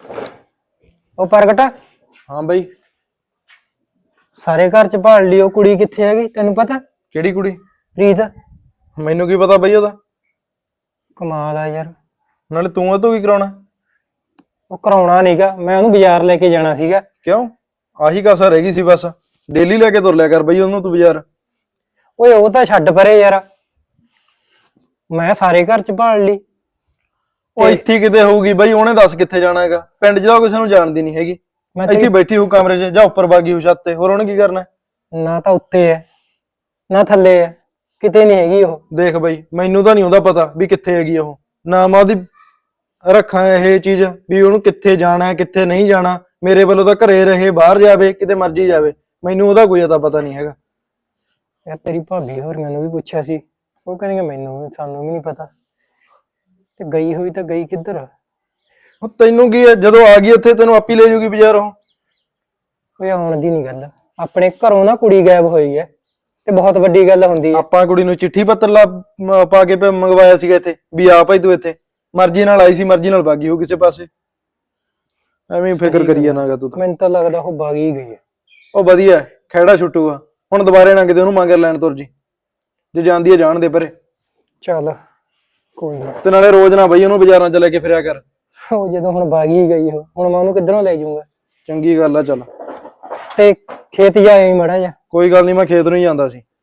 ਉਹ ਪ੍ਰਗਟ ਹਾਂ ਬਈ। ਸਾਰੇ ਘਰ ਚ ਭਾਲ ਲਈ, ਉਹ ਕੁੜੀ ਕਿੱਥੇ ਹੈਗੀ ਤੈਨੂੰ ਪਤਾ? ਕਿਹੜੀ ਕੁੜੀ? ਪ੍ਰੀਤ। ਮੈਨੂੰ ਕੀ ਪਤਾ ਬਈ ਉਹਦਾ। ਕਮਾਲ ਆ ਯਾਰ। ਨਾਲੇ ਤੂੰ ਉਹ ਤੋਂ ਕੀ ਕਰਾਉਣਾ? ਉਹ ਕਰਾਉਣਾ ਨੀਗਾ, ਮੈਂ ਉਹਨੂੰ ਬਾਜ਼ਾਰ ਲੈ ਕੇ ਜਾਣਾ ਸੀਗਾ। ਕਿਉਂ? ਆਹੀ ਕਸਰ ਰਹਿ ਗਈ ਸੀ ਬਸ। ਡੇਲੀ ਲੈ ਕੇ ਤੁਰ ਲਿਆ ਕਰ ਬਈ ਉਹਨੂੰ ਤੂੰ ਬਾਜ਼ਾਰ। ਓਏ ਉਹ ਤਾਂ ਛੱਡ ਪਰੇ ਯਾਰ, ਮੈਂ ਸਾਰੇ ਘਰ ਚ ਭਾਲ ਲਈ। ਉਹ ਇੱਥੇ ਕਿਤੇ ਹੋਊਗੀ ਬਈ, ਉਹਨੇ ਦੱਸ ਕਿੱਥੇ ਜਾਣਾ ਹੈਗਾ? ਪਿੰਡ 'ਚ ਤਾਂ ਕਿਸੇ ਨੂੰ ਜਾਣਦੀ ਨਹੀਂ ਹੈਗੀ। ਇੱਥੇ ਬੈਠੀ ਹੋਊ ਕਮਰੇ 'ਚ ਜਾਂ ਉੱਪਰ ਬਾਗੀ ਹੋਊ ਛੱਤ ਤੇ, ਹੋਰ ਉਹਨੇ ਕੀ ਕਰਨਾ? ਨਾ ਤਾਂ ਉੱਤੇ ਹੈ ਨਾ ਥੱਲੇ ਹੈ, ਕਿਤੇ ਨਹੀਂ ਹੈਗੀ ਉਹ। ਦੇਖ ਬਈ, ਮੈਨੂੰ ਤਾਂ ਨਹੀਂ ਉਹਦਾ ਪਤਾ ਵੀ ਕਿੱਥੇ ਹੈਗੀ ਉਹ। ਨਾ ਮੈਂ ਉਹਦੀ ਰੱਖਾਂ ਇਹ ਚੀਜ਼ ਵੀ ਉਹਨੂੰ ਕਿੱਥੇ ਜਾਣਾ ਕਿੱਥੇ ਨਹੀਂ ਜਾਣਾ। ਮੇਰੇ ਵੱਲੋਂ ਤਾਂ ਘਰੇ ਰਹੇ, ਬਾਹਰ ਜਾਵੇ, ਕਿਤੇ ਮਰਜ਼ੀ ਜਾਵੇ, ਮੈਨੂੰ ਉਹਦਾ ਕੋਈ ਅਤਾ ਪਤਾ ਨਹੀਂ ਹੈਗਾ। ਯਾਰ ਤੇਰੀ ਭਾਬੀ ਹੋਰੀਆਂ ਨੂੰ ਵੀ ਪੁੱਛਿਆ ਸੀ, ਉਹ ਕਹਿੰਦੇ ਸਾਨੂੰ ਵੀ ਨਹੀਂ ਪਤਾ। ਤੇ ਗਈ ਹੋਈ ਤਾਂ ਗਈ ਕਿੱਧਰ? ਉਹ ਤੈਨੂੰ ਕੀ ਹੈ, ਜਦੋਂ ਆ ਗਈ ਉੱਥੇ ਤੈਨੂੰ ਆਪੀ ਲੈ ਜਾਊਗੀ ਬਾਜ਼ਾਰ ਉਹ। ਓਏ ਆਉਣ ਦੀ ਨਹੀਂ ਗੱਲ, ਆਪਣੇ ਘਰੋਂ ਨਾ ਕੁੜੀ ਗਾਇਬ ਹੋਈ ਹੈ ਤੇ ਬਹੁਤ ਵੱਡੀ ਗੱਲ ਹੁੰਦੀ ਹੈ। ਆਪਾਂ ਕੁੜੀ ਨੂੰ ਚਿੱਠੀ ਪੱਤਰ ਪਾ ਕੇ ਮੰਗਵਾਇਆ ਸੀਗਾ ਇੱਥੇ ਵੀ ਆ ਭਾਈ ਤੂੰ ਇੱਥੇ। ਮਰਜ਼ੀ ਨਾਲ ਆਈ ਸੀ, ਮਰਜ਼ੀ ਨਾਲ ਬਾਗੀ ਹੋ ਕਿਸੇ ਪਾਸੇ। ਐਵੇਂ ਫਿਕਰ ਕਰੀ ਜਾਣਾਗਾ ਤੂੰ ਤਾਂ। ਮੈਨੂੰ ਤਾਂ ਲੱਗਦਾ ਉਹ ਬਾਗ ਹੀ ਗਈ ਹੈ। ਉਹ ਵਧੀਆ ਖਹਿੜਾ ਛੁੱਟੂਗਾ ਹੁਣ, ਦੁਬਾਰੇ ਨਾ ਕਿਤੇ ਉਹਨੂੰ ਮਗਰ ਲੈਣ ਤੁਰ ਜੀ। ਜੇ ਜਾਂਦੀ ਹੈ ਜਾਣ ਦੇ ਪਰੇ। ਚੱਲ ਕੋਈ ਨਾ। ਤੇ ਨਾਲੇ ਰੋਜ਼ ਨਾ ਬਈ ਉਹਨੂੰ ਬਾਜ਼ਾਰਾਂ 'ਚ ਲੈ ਕੇ ਫਿਰਿਆ ਕਰ। ਉਹ ਜਦੋਂ ਹੁਣ ਬਾਗ ਹੀ ਗਈ, ਉਹ ਹੁਣ ਮੈਂ ਉਹਨੂੰ ਕਿੱਧਰੋਂ ਲੈ ਜਾਊਂਗਾ? ਚੰਗੀ ਗੱਲ ਆ। ਚੱਲ ਤੇ ਖੇਤ ਜਾਏ ਮੜਾ ਜਾ। ਕੋਈ ਗੱਲ ਨਹੀਂ, ਮੈਂ ਖੇਤ ਨੂੰ ਹੀ ਜਾਂਦਾ ਸੀ।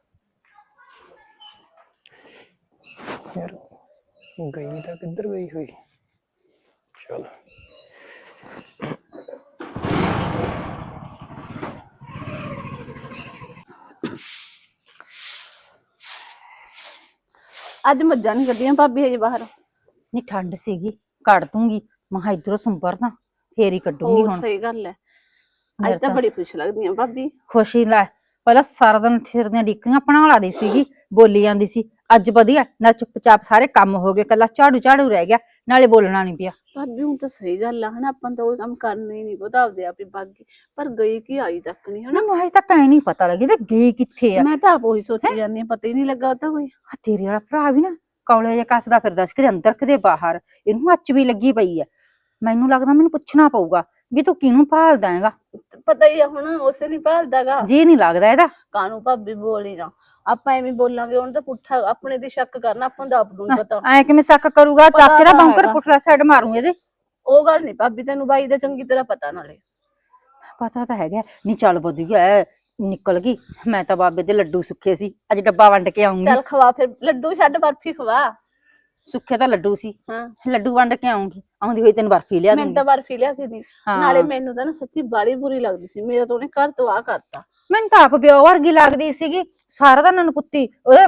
ਯਾਰ ਗਈ ਤਾਂ ਕਿੱਧਰ ਗਈ ਹੋਈ? ਚਲ ਅੱਜ ਮੱਝਾਂ ਨਹੀਂ ਕੱਢੀਆਂ ਭਾਬੀ ਹਜੇ ਬਾਹਰ। ਨੀ ਠੰਡ ਸੀਗੀ, ਕੱਢ ਦੂੰਗੀ। ਮਹਾ ਇਧਰੋਂ ਸੰਭਰ ਨਾ, ਫੇਰ ਹੀ ਕੱਢੂੰਗੀ। ਹੁਣ ਸਹੀ ਗੱਲ ਹੈ, ਮੇਰੇ ਅੱਜ ਤਾਂ ਬੜੀ ਖੁਸ਼ ਲੱਗਦੀ ਆ ਭਾਬੀ। ਖੁਸ਼ੀ ਲੈ, ਪਹਿਲਾਂ ਸਾਰਾ ਦਿਨ ਸਿਰਦੀਆਂ ਡਿੱਕੀਆਂ ਬਣਾ ਲਾਦੀ ਸੀਗੀ, ਬੋਲੀ ਜਾਂਦੀ ਸੀ। ਅੱਜ ਵਧੀਆ ਨਾ, ਚੁੱਪਚਾਪ ਸਾਰੇ ਕੰਮ ਹੋ ਗਏ, ਕੱਲਾ ਝਾੜੂ ਝਾੜੂ ਰਹਿ ਗਿਆ, ਨਾਲੇ ਬੋਲਣਾ ਨੀ ਪਿਆ। ਭਾਬੀ ਹੁਣ ਤਾਂ ਸਹੀ ਗੱਲ ਆ ਹਨਾ, ਆਪਾਂ ਤਾਂ ਉਹ ਕੰਮ ਕਰਨਾ ਹੀ ਨਹੀਂ ਪਤਾ, ਆਪਦੇ ਆਪ ਹੀ ਬਾਗੀ। ਪਰ ਗਈ ਕੀ ਆਈ ਤੱਕ ਨਹੀਂ ਹਨਾ। ਮੈਨੂੰ ਹਜੇ ਤੱਕ ਐ ਨੀ ਪਤਾ ਲੱਗੀ ਵੀ ਗਈ ਕਿੱਥੇ ਆ। ਮੈਂ ਤਾਂ ਆਪ ਉਹੀ ਸੋਚੀ ਜਾਂਦੀ ਆ, ਪਤਾ ਹੀ ਨਹੀਂ ਲੱਗਾ ਉਹ ਤਾਂ ਕੋਈ। ਤੇਰੇ ਵਾਲਾ ਭਰਾ ਵੀ ਨਾ ਕੌਲੇ ਜਿਹਾ ਕੱਸਦਾ ਫਿਰਦਾ ਸੀ, ਕਿਤੇ ਅੰਦਰ ਕਿਤੇ ਬਾਹਰ। ਇਹਨੂੰ ਅੱਚ ਵੀ ਲੱਗੀ ਪਈ ਐ। ਮੈਨੂੰ ਲੱਗਦਾ ਮੈਨੂੰ ਪੁੱਛਣਾ ਪਊਗਾ ਵੀ ਤੂੰ ਕਿਹਨੂੰ ਭਾਲਦਾ ਹੈਗਾ। ਪਤਾ ਹੀ ਆ ਹੁਣ, ਉਸੇ ਨਹੀਂ ਭਾਲਦਾਗਾ ਜੀ ਨੀ ਲੱਗਦਾ ਇਹਦਾ। ਕਾਹਨੂੰ ਭਾਬੀ ਬੋਲੀ ਨਾ, ਆਪਾਂ ਐਵੇਂ ਬੋਲਾਂਗੇ ਉਹਨੂੰ ਤਾਂ ਪੁੱਠਾ ਆਪਣੇ ਦੀ ਸ਼ੱਕ ਕਰਨਾ, ਆਪਾਂ ਨੂੰ ਆਪ ਨੂੰ ਪਤਾ। ਐ ਕਿਵੇਂ ਸ਼ੱਕ ਕਰੂਗਾ? ਚੱਕ ਕੇ ਨਾ ਬੰਕਰ ਪੁੱਠਲਾ ਸਾਈਡ ਮਾਰੂ ਇਹਦੇ। ਉਹ ਗੱਲ ਨੀ ਭਾਬੀ, ਤੈਨੂੰ ਬਾਈ ਦਾ ਚੰਗੀ ਤਰ੍ਹਾਂ ਪਤਾ। ਨਾਲੇ ਪਤਾ ਤਾਂ ਹੈਗਾ। ਨੀ ਚੱਲ ਵਧੀਆ ਨਿਕਲ ਗਈ। ਮੈਂ ਤਾਂ ਬਾਬੇ ਦੇ ਲੱਡੂ ਸੁੱਖੇ ਸੀ, ਅੱਜ ਡੱਬਾ ਵੰਡ ਕੇ ਆਉਂਗੀ। ਚੱਲ ਖਵਾ ਫਿਰ, ਲੱਡੂ ਛੱਡ ਬਰਫੀ ਖਵਾ। ਸੁੱਖੇ ਤਾਂ ਲੱਡੂ ਸੀ, ਹਾਂ ਲੱਡੂ ਵੰਡ ਕੇ ਆਉਂਗੀ। ਆਉਂਦੀ ਹੋਈ ਤੈਨੂੰ ਬਰਫੀ ਲਿਆ ਮੈਨੂੰ ਦੂੰਗੀ। ਤਾਂ ਬਰਫੀ ਲਿਆ ਕੇ ਦੀ। ਨਾਲੇ ਮੈਨੂੰ ਤਾਂ ਨਾ ਸੱਚੀ ਬਾੜੀ ਬੁਰੀ ਲੱਗਦੀ ਸੀ, ਮੇਰਾ ਤਾਂ ਉਹਨੇ ਘਰ ਤੋਂ ਆ ਕਰਤਾ। ਮੈਨੂੰ ਤਾਂ ਆਪ ਪਿਓ ਵਰਗੀ ਲੱਗਦੀ ਸੀਗੀ, ਸਾਰਾ ਦਿਨ ਨਨਕੁੱਤੀ ਉਹਦੇ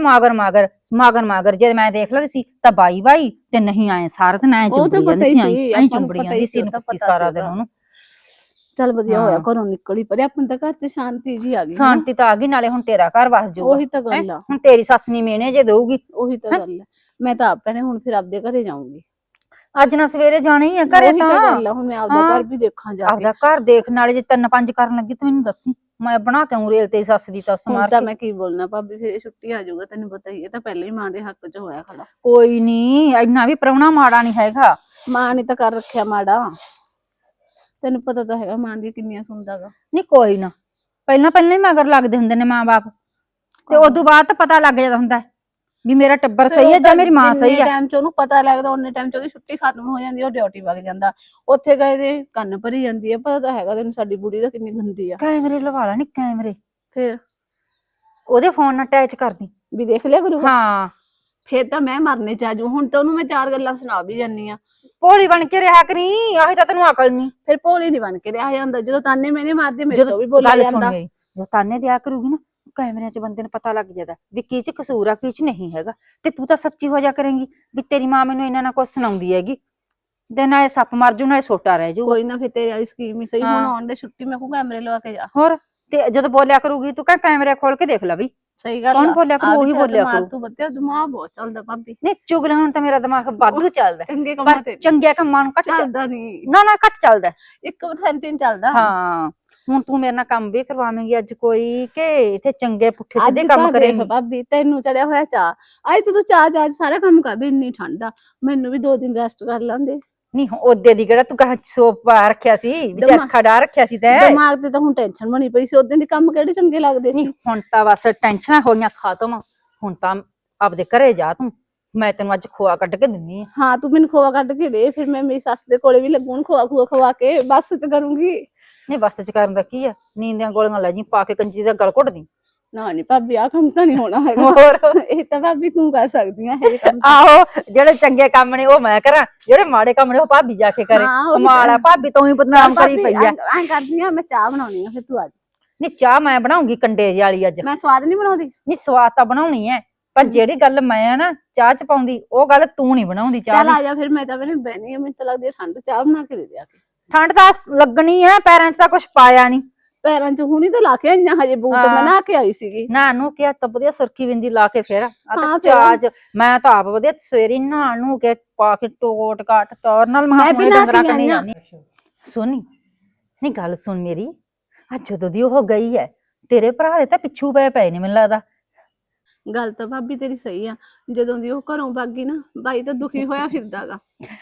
ਮਾਗਰ ਜੇ ਮੈਂ ਦੇਖ ਲੈਂਦੀ ਸੀ ਤਾਂ ਬਾਈ ਤੇ ਨਹੀਂ ਆਏ ਸਾਰਾ ਦਿਨ ਐ ਚੁੰਬੜੀ ਜਾਂਦੀ ਸੀ, ਐਂ ਚੁੰਬੜੀ ਜਾਂਦੀ ਸੀ ਨਨਕੁੱਤੀ ਸਾਰਾ ਦਿਨ ਉਹਨੂੰ। ਚੱਲ ਵਧੀਆ ਹੋਇਆ ਘਰੋਂ ਨਿਕਲੀ, ਪਰ ਆਪਣੇ ਤਾਂ ਘਰ 'ਚ ਸ਼ਾਂਤੀ ਜੀ ਆ ਗਈ। ਸ਼ਾਂਤੀ ਤਾਂ ਆ ਗਈ, ਨਾਲੇ ਹੁਣ ਤੇਰਾ ਘਰ ਵਸ ਜਾਊਗਾ। ਉਹੀ ਤਾਂ ਗੱਲ ਆ। ਹੁਣ ਤੇਰੀ ਸੱਸ ਨੀ ਮੇਨੇ ਜੇ ਦਊਗੀ। ਉਹੀ ਤਾਂ ਗੱਲ ਹੈ, ਮੈਂ ਤਾਂ ਆਪ ਨੇ ਹੁਣ ਫਿਰ ਆਪਦੇ ਘਰੇ ਜਾਊਂਗੀ। ਅੱਜ ਨਾ ਸਵੇਰੇ ਜਾਣਾ ਹੀ ਆ ਘਰੇ। ਤਾਂ ਗੱਲ ਆ, ਹੁਣ ਮੈਂ ਆਪਦਾ ਘਰ ਵੀ ਦੇਖਾਂ ਜਾ ਕੇ। ਆਪਦਾ ਘਰ ਦੇਖ, ਨਾਲੇ ਜੇ 3-5 ਕਰਨ ਲੱਗੀ ਤਾਂ ਮੈਨੂੰ ਦੱਸੀ, ਮੈਂ ਬਣਾ ਕੇ ਆਉਂ ਰੇਲ ਤੇ ਸੱਸ ਦੀ ਤਾਂ ਹੁਣ ਸਮਾਰ ਤਾਂ ਕੇ। ਮੈਂ ਕੀ ਬੋਲਣਾ ਭਾਬੀ, ਫਿਰ ਛੁੱਟੀ ਆ ਜਾਊਗਾ, ਤੈਨੂੰ ਪਤਾ ਹੀ ਹੈ। ਤਾਂ ਪਹਿਲਾਂ ਹੀ ਮਾਂ ਦੇ ਹੱਕ 'ਚ ਹੋਇਆ ਖੜਾ। ਕੋਈ ਨੀ, ਇੰਨਾ ਵੀ ਪ੍ਰਾਹੁਣਾ ਮਾੜਾ ਨੀ ਹੈਗਾ। ਮਾਂ ਨੇ ਤਾਂ ਕਰ ਰੱਖਿਆ ਮਾੜਾ, ਤੈਨੂੰ ਪਤਾ ਤਾਂ ਹੈਗਾ ਮਾਂ ਦੀ ਕਿੰਨੀਆਂ ਸੁਣਦਾਗਾ। ਨਹੀਂ ਕੋਈ ਨਾ, ਪਹਿਲਾਂ ਹੀ ਮਗਰ ਲੱਗਦੇ ਹੁੰਦੇ ਨੇ ਮਾਂ ਬਾਪ, ਤੇ ਉਦੋਂ ਬਾਅਦ ਤਾਂ ਪਤਾ ਲੱਗ ਜਾਂਦਾ ਹੁੰਦਾ ਵੀ ਮੇਰਾ ਟੱਬਰ ਸਹੀ ਹੈ ਜਾਂ ਮੇਰੀ ਮਾਂ ਸਹੀ ਹੈ। ਟਾਈਮ 'ਚ ਉਹਨੂੰ ਪਤਾ ਲੱਗਦਾ, ਉਹਨੇ ਟਾਈਮ 'ਚ ਉਹਦੀ ਛੁੱਟੀ ਖਤਮ ਹੋ ਜਾਂਦੀ, ਉਹ ਡਿਊਟੀ ਵਗ ਜਾਂਦਾ। ਉੱਥੇ ਗਏ ਦੇ ਕੰਨ ਭਰੀ ਜਾਂਦੀ ਹੈ। ਪਤਾ ਤਾਂ ਹੈਗਾ ਤੈਨੂੰ ਸਾਡੀ ਬੁੜੀ ਦਾ ਕਿੰਨੀ ਗੰਦੀ ਆ। ਕੈਮਰੇ ਲਵਾ ਲਾ ਨੀ ਕੈਮਰੇ, ਫਿਰ ਉਹਦੇ ਫੋਨ ਨਾਲ ਅਟੈਚ ਕਰਦੀ ਵੀ ਦੇਖ ਲਿਆ ਕਰੂਗਾ। ਹਾਂ ਫਿਰ ਤਾਂ ਮੈਂ ਮਰਨੇ ਚ ਆਜੂ। ਹੁਣ ਤਾਂ ਉਹਨੂੰ ਮੈਂ 4 ਗੱਲਾਂ ਸੁਣਾ ਵੀ ਜਾਨੀ ਆ। ਭੋਲੀ ਬਣ ਕੇ ਰਿਹਾ ਕਰੀ, ਆਹੀ ਤਾਂ ਤੈਨੂੰ ਅਕਲ ਨਹੀਂ। ਫਿਰ ਭੋਲੀ ਨੀ ਬਣ ਕੇ ਰਿਹਾ ਜਾਂਦਾ, ਜਦੋਂ ਤਾਨੇ ਮੈਨੇ ਮਾਰਦੇ ਮੇਰੇ ਤੋਂ ਵੀ ਬੋਲਿਆ ਜਾਂਦਾ। ਜੋ ਤਾਨੇ ਦਿਆ ਕਰੂਗੀ ਨਾ, ਕੈਮਰਿਆਂ 'ਚ ਬੰਦੇ ਨੂੰ ਪਤਾ ਲੱਗ ਜਾਂਦਾ ਵੀ ਕੀ 'ਚ ਕਸੂਰ ਆ, ਕੀ 'ਚ ਨਹੀਂ ਹੈਗਾ। ਤੇ ਤੂੰ ਤਾਂ ਸੱਚੀ ਹੋ ਜਾ ਕਰੇਂਗੀ ਵੀ ਤੇਰੀ ਮਾਂ ਮੈਨੂੰ ਇਹਨਾਂ ਨਾਲ ਕੁਝ ਸੁਣਾਉਂਦੀ ਹੈਗੀ, ਤੇ ਨਾਲੇ ਸੱਪ ਮਰ ਜੂ ਨਾਲੇ ਸੋਟਾ ਰਹਿ ਜੂ। ਕੋਈ ਨਾ, ਫਿਰ ਤੇਰੇ ਵਾਲੀ ਸਕੀਮ ਹੀ ਸਹੀ। ਹੁਣ ਆਉਣ ਦੇ ਛੁੱਟੀ ਮੈਂ ਕੋ ਕੈਮਰੇ ਲਵਾ ਕੇ ਜਾ। ਹੋਰ ਤੇ ਜਦੋਂ ਬੋਲਿਆ ਕਰੂਗੀ ਤੂੰ ਕਹਿ ਕੈਮਰੇ ਖੋਲ ਕੇ ਦੇਖ ਲੈ ਵੀ ਸਹੀ ਗੱਲ। ਕੌਣ ਬੋਲਿਆ ਕਰੂ, ਉਹੀ ਬੋਲਿਆ ਕਰੂ। ਤੂੰ ਬੱਤਿਆ ਦਿਮਾਗ ਬਹੁਤ ਚੱਲਦਾ ਭਾਬੀ। ਨਹੀਂ ਚੁਗਲਾ, ਹੁਣ ਤਾਂ ਮੇਰਾ ਦਿਮਾਗ ਵਾਧੂ ਚੱਲਦਾ, ਚੰਗੇ ਕੰਮਾਂ ਤੇ ਚੰਗੇ ਕੰਮਾਂ ਨੂੰ ਘੱਟ ਚੱਲਦਾ ਨਹੀਂ। ਨਾ ਘੱਟ ਚੱਲਦਾ, 1% ਹੀ ਚੱਲਦਾ। ਹਾਂ ਹੁਣ ਤੂੰ ਮੇਰੇ ਨਾਲ ਕੰਮ ਵੀ ਕਰਵਾਵੇਂਗੀ ਅੱਜ ਕੋਈ, ਕਿ ਇੱਥੇ ਚੰਗੇ ਪੁੱਠੇ ਸਿੱਧੇ ਕੰਮ ਕਰੇਂਗੀ? ਭਾਬੀ ਤੈਨੂੰ ਚੜਿਆ ਹੋਇਆ ਚਾਹ, ਅੱਜ ਤੂੰ ਚਾਹ ਸਾਰਾ ਕੰਮ ਕਰਦੇ। ਇੰਨੀ ਠੰਡ ਆ, ਮੈਨੂੰ ਵੀ 2 ਦਿਨ ਰੈਸਟ ਕਰ ਲਾਂਦੇ। ਨਹੀਂ ਉਹਦੇ ਦੀ ਕਿਹੜਾ ਤੂੰ ਕਹਾ ਸੋਪ ਪਾ ਰੱਖਿਆ ਸੀ ਵਿੱਚ ਅੱਖਾਂ ਡਾ ਰੱਖਿਆ ਸੀ ਤੈਂ ਦਿਮਾਗ ਤੇ ਤਾਂ ਹੁਣ ਟੈਨਸ਼ਨ ਬਣੀ ਪਈ ਸੀ, ਉਦੋਂ ਦੀ ਕੰਮ ਕਿਹੜੇ ਚੰਗੇ ਲੱਗਦੇ ਸੀ। ਨਹੀਂ ਹੁਣ ਤਾਂ ਬਸ ਟੈਨਸ਼ਨਾਂ ਹੋ ਗਈਆਂ ਖਾਤਮ। ਹੁਣ ਤਾਂ ਆਪਦੇ ਘਰੇ ਜਾ ਤੂੰ, ਮੈਂ ਤੈਨੂੰ ਅੱਜ ਖੋਆ ਕੱਢ ਕੇ ਦਿੰਨੀ ਆ। ਹਾਂ ਤੂੰ ਮੈਨੂੰ ਖੋਆ ਕੱਢ ਕੇ ਦੇ, ਫਿਰ ਮੈਂ ਮੇਰੀ ਸੱਸ ਦੇ ਕੋਲੇ ਵੀ ਲੱਗੂ ਖੋਆ ਖੂਆ ਖਵਾ ਕੇ ਬੱਸ ਚ ਕਰੂੰਗੀ। ਨਹੀਂ ਬੱਸ ਚ ਕਰਨ ਦਾ ਕੀ ਆ, ਨੀਂਦ ਦੀਆਂ ਗੋਲੀਆਂ ਲੈ ਜੀ ਪਾ ਕੇ ਕੰਜੀ ਦਾ ਗਲ ਘੁੱਟਦੀ। ਨਾ ਨੀ ਭਾਬੀ ਆਹ ਕੰਮ ਤਾਂ ਨਹੀਂ ਹੋਣਾ ਹੈਗਾ। ਹੋਰ ਇਹ ਤਾਂ ਭਾਬੀ ਤੂੰ ਕਰ ਸਕਦੀ ਆ ਇਹ ਕੰਮ। ਆਹੋ ਜਿਹੜੇ ਚੰਗੇ ਕੰਮ ਨੇ ਉਹ ਮੈਂ ਕਰਾਂ, ਜਿਹੜੇ ਮਾੜੇ ਕੰਮ ਨੇ ਉਹ ਭਾਬੀ ਜਾ ਕੇ ਕਰੇ। ਹਾਂ, ਉਹੀ ਕਮਾਲ ਆ ਭਾਬੀ ਤੂੰ ਹੀ ਬਦਨਾਮ ਕਰੀ ਭਾਬੀ ਪਈ ਆ। ਐਂ ਕਰਦੀ ਆ, ਮੈਂ ਚਾਹ ਬਣਾਉਣੀ ਆ, ਫਿਰ ਤੂੰ ਆ ਜਾ। ਨਹੀਂ ਚਾਹ ਮੈਂ ਬਣਾਉਂਗੀ ਕੰਡੇ ਜਿਹੀ ਵਾਲੀ ਅੱਜ। ਮੈਂ ਸਵਾਦ ਨਹੀਂ ਬਣਾਉਂਦੀ। ਨਹੀਂ ਸਵਾਦ ਤਾਂ ਬਣਾਉਣੀ ਐ, ਪਰ ਜਿਹੜੀ ਗੱਲ ਮੈਂ ਨਾ ਚਾਹ ਚ ਪਾਉਂਦੀ ਉਹ ਗੱਲ ਤੂੰ ਨਹੀਂ ਬਣਾਉਂਦੀ ਚਾਹ ਚੱਲ ਦੀ। ਆ ਜਾ ਫਿਰ, ਮੈਂ ਤਾਂ ਬਹਿਣੀ ਆ, ਮੈਨੂੰ ਤਾਂ ਲੱਗਦੀ ਆ ਠੰਡ, ਚਾਹ ਬਣਾ ਕੇ ਦੇ ਦਿਆ ਕੇ। ਠੰਡ ਤਾਂ ਲੱਗਣੀ ਐ, ਪੈਰਾਂ 'ਚ ਤਾਂ ਕੁਛ ਪਾਇਆ ਨਹੀਂ। ਪੈਰਾਂ 'ਚ ਹੁਣੀ ਤਾਂ ਲਾ ਕੇ ਆਈਆਂ, ਹਜੇ ਬੂਟ ਮੈਂ ਨਹਾ ਕੇ ਆਈ ਸੀਗੀ। ਨਾ ਨੂੰ ਕਿਹਾ ਤਾਂ ਵਧੀਆ ਸੁਰਖੀ ਬਿੰਦੀ ਲਾ ਕੇ ਫੇਰ ਆ ਤਾਂ ਹਾਂ, ਚਾਹ ਚ ਮੈਂ ਤਾਂ ਆਪ ਵਧੀਆ ਸਵੇਰੇ ਨਹਾ ਨੂੰ ਕੇ ਪਾ ਕੇ ਟੋਟ ਕਾਟ ਟੌਰ ਨਾਲ ਮੈਂ ਵੀ ਨਹਾ ਡੰਗਰਾਂ ਕੇ ਕਣੀ ਆਈ ਆਂ। ਜਾਂਦੀ। ਸੁਣੀ ਨਹੀਂ ਗੱਲ ਸੁਣ ਮੇਰੀ, ਅੱਜ ਜਦੋਂ ਦੀ ਉਹ ਗਈ ਐ ਤੇਰੇ ਭਰਾ ਦੇ ਤਾਂ ਪਿੱਛੂ ਪਏ ਨੇ ਮੈਨੂੰ ਲੱਗਦਾ। ਗੱਲ ਤਾਂ ਭਾਬੀ ਤੇਰੀ ਸਹੀ ਆ, ਜਦੋਂ ਦੀ ਉਹ ਘਰੋਂ ਭੱਗ ਗਈ ਨਾ ਬਾਈ ਤਾਂ ਦੁਖੀ ਹੋਇਆ ਫਿਰਦਾਗਾ।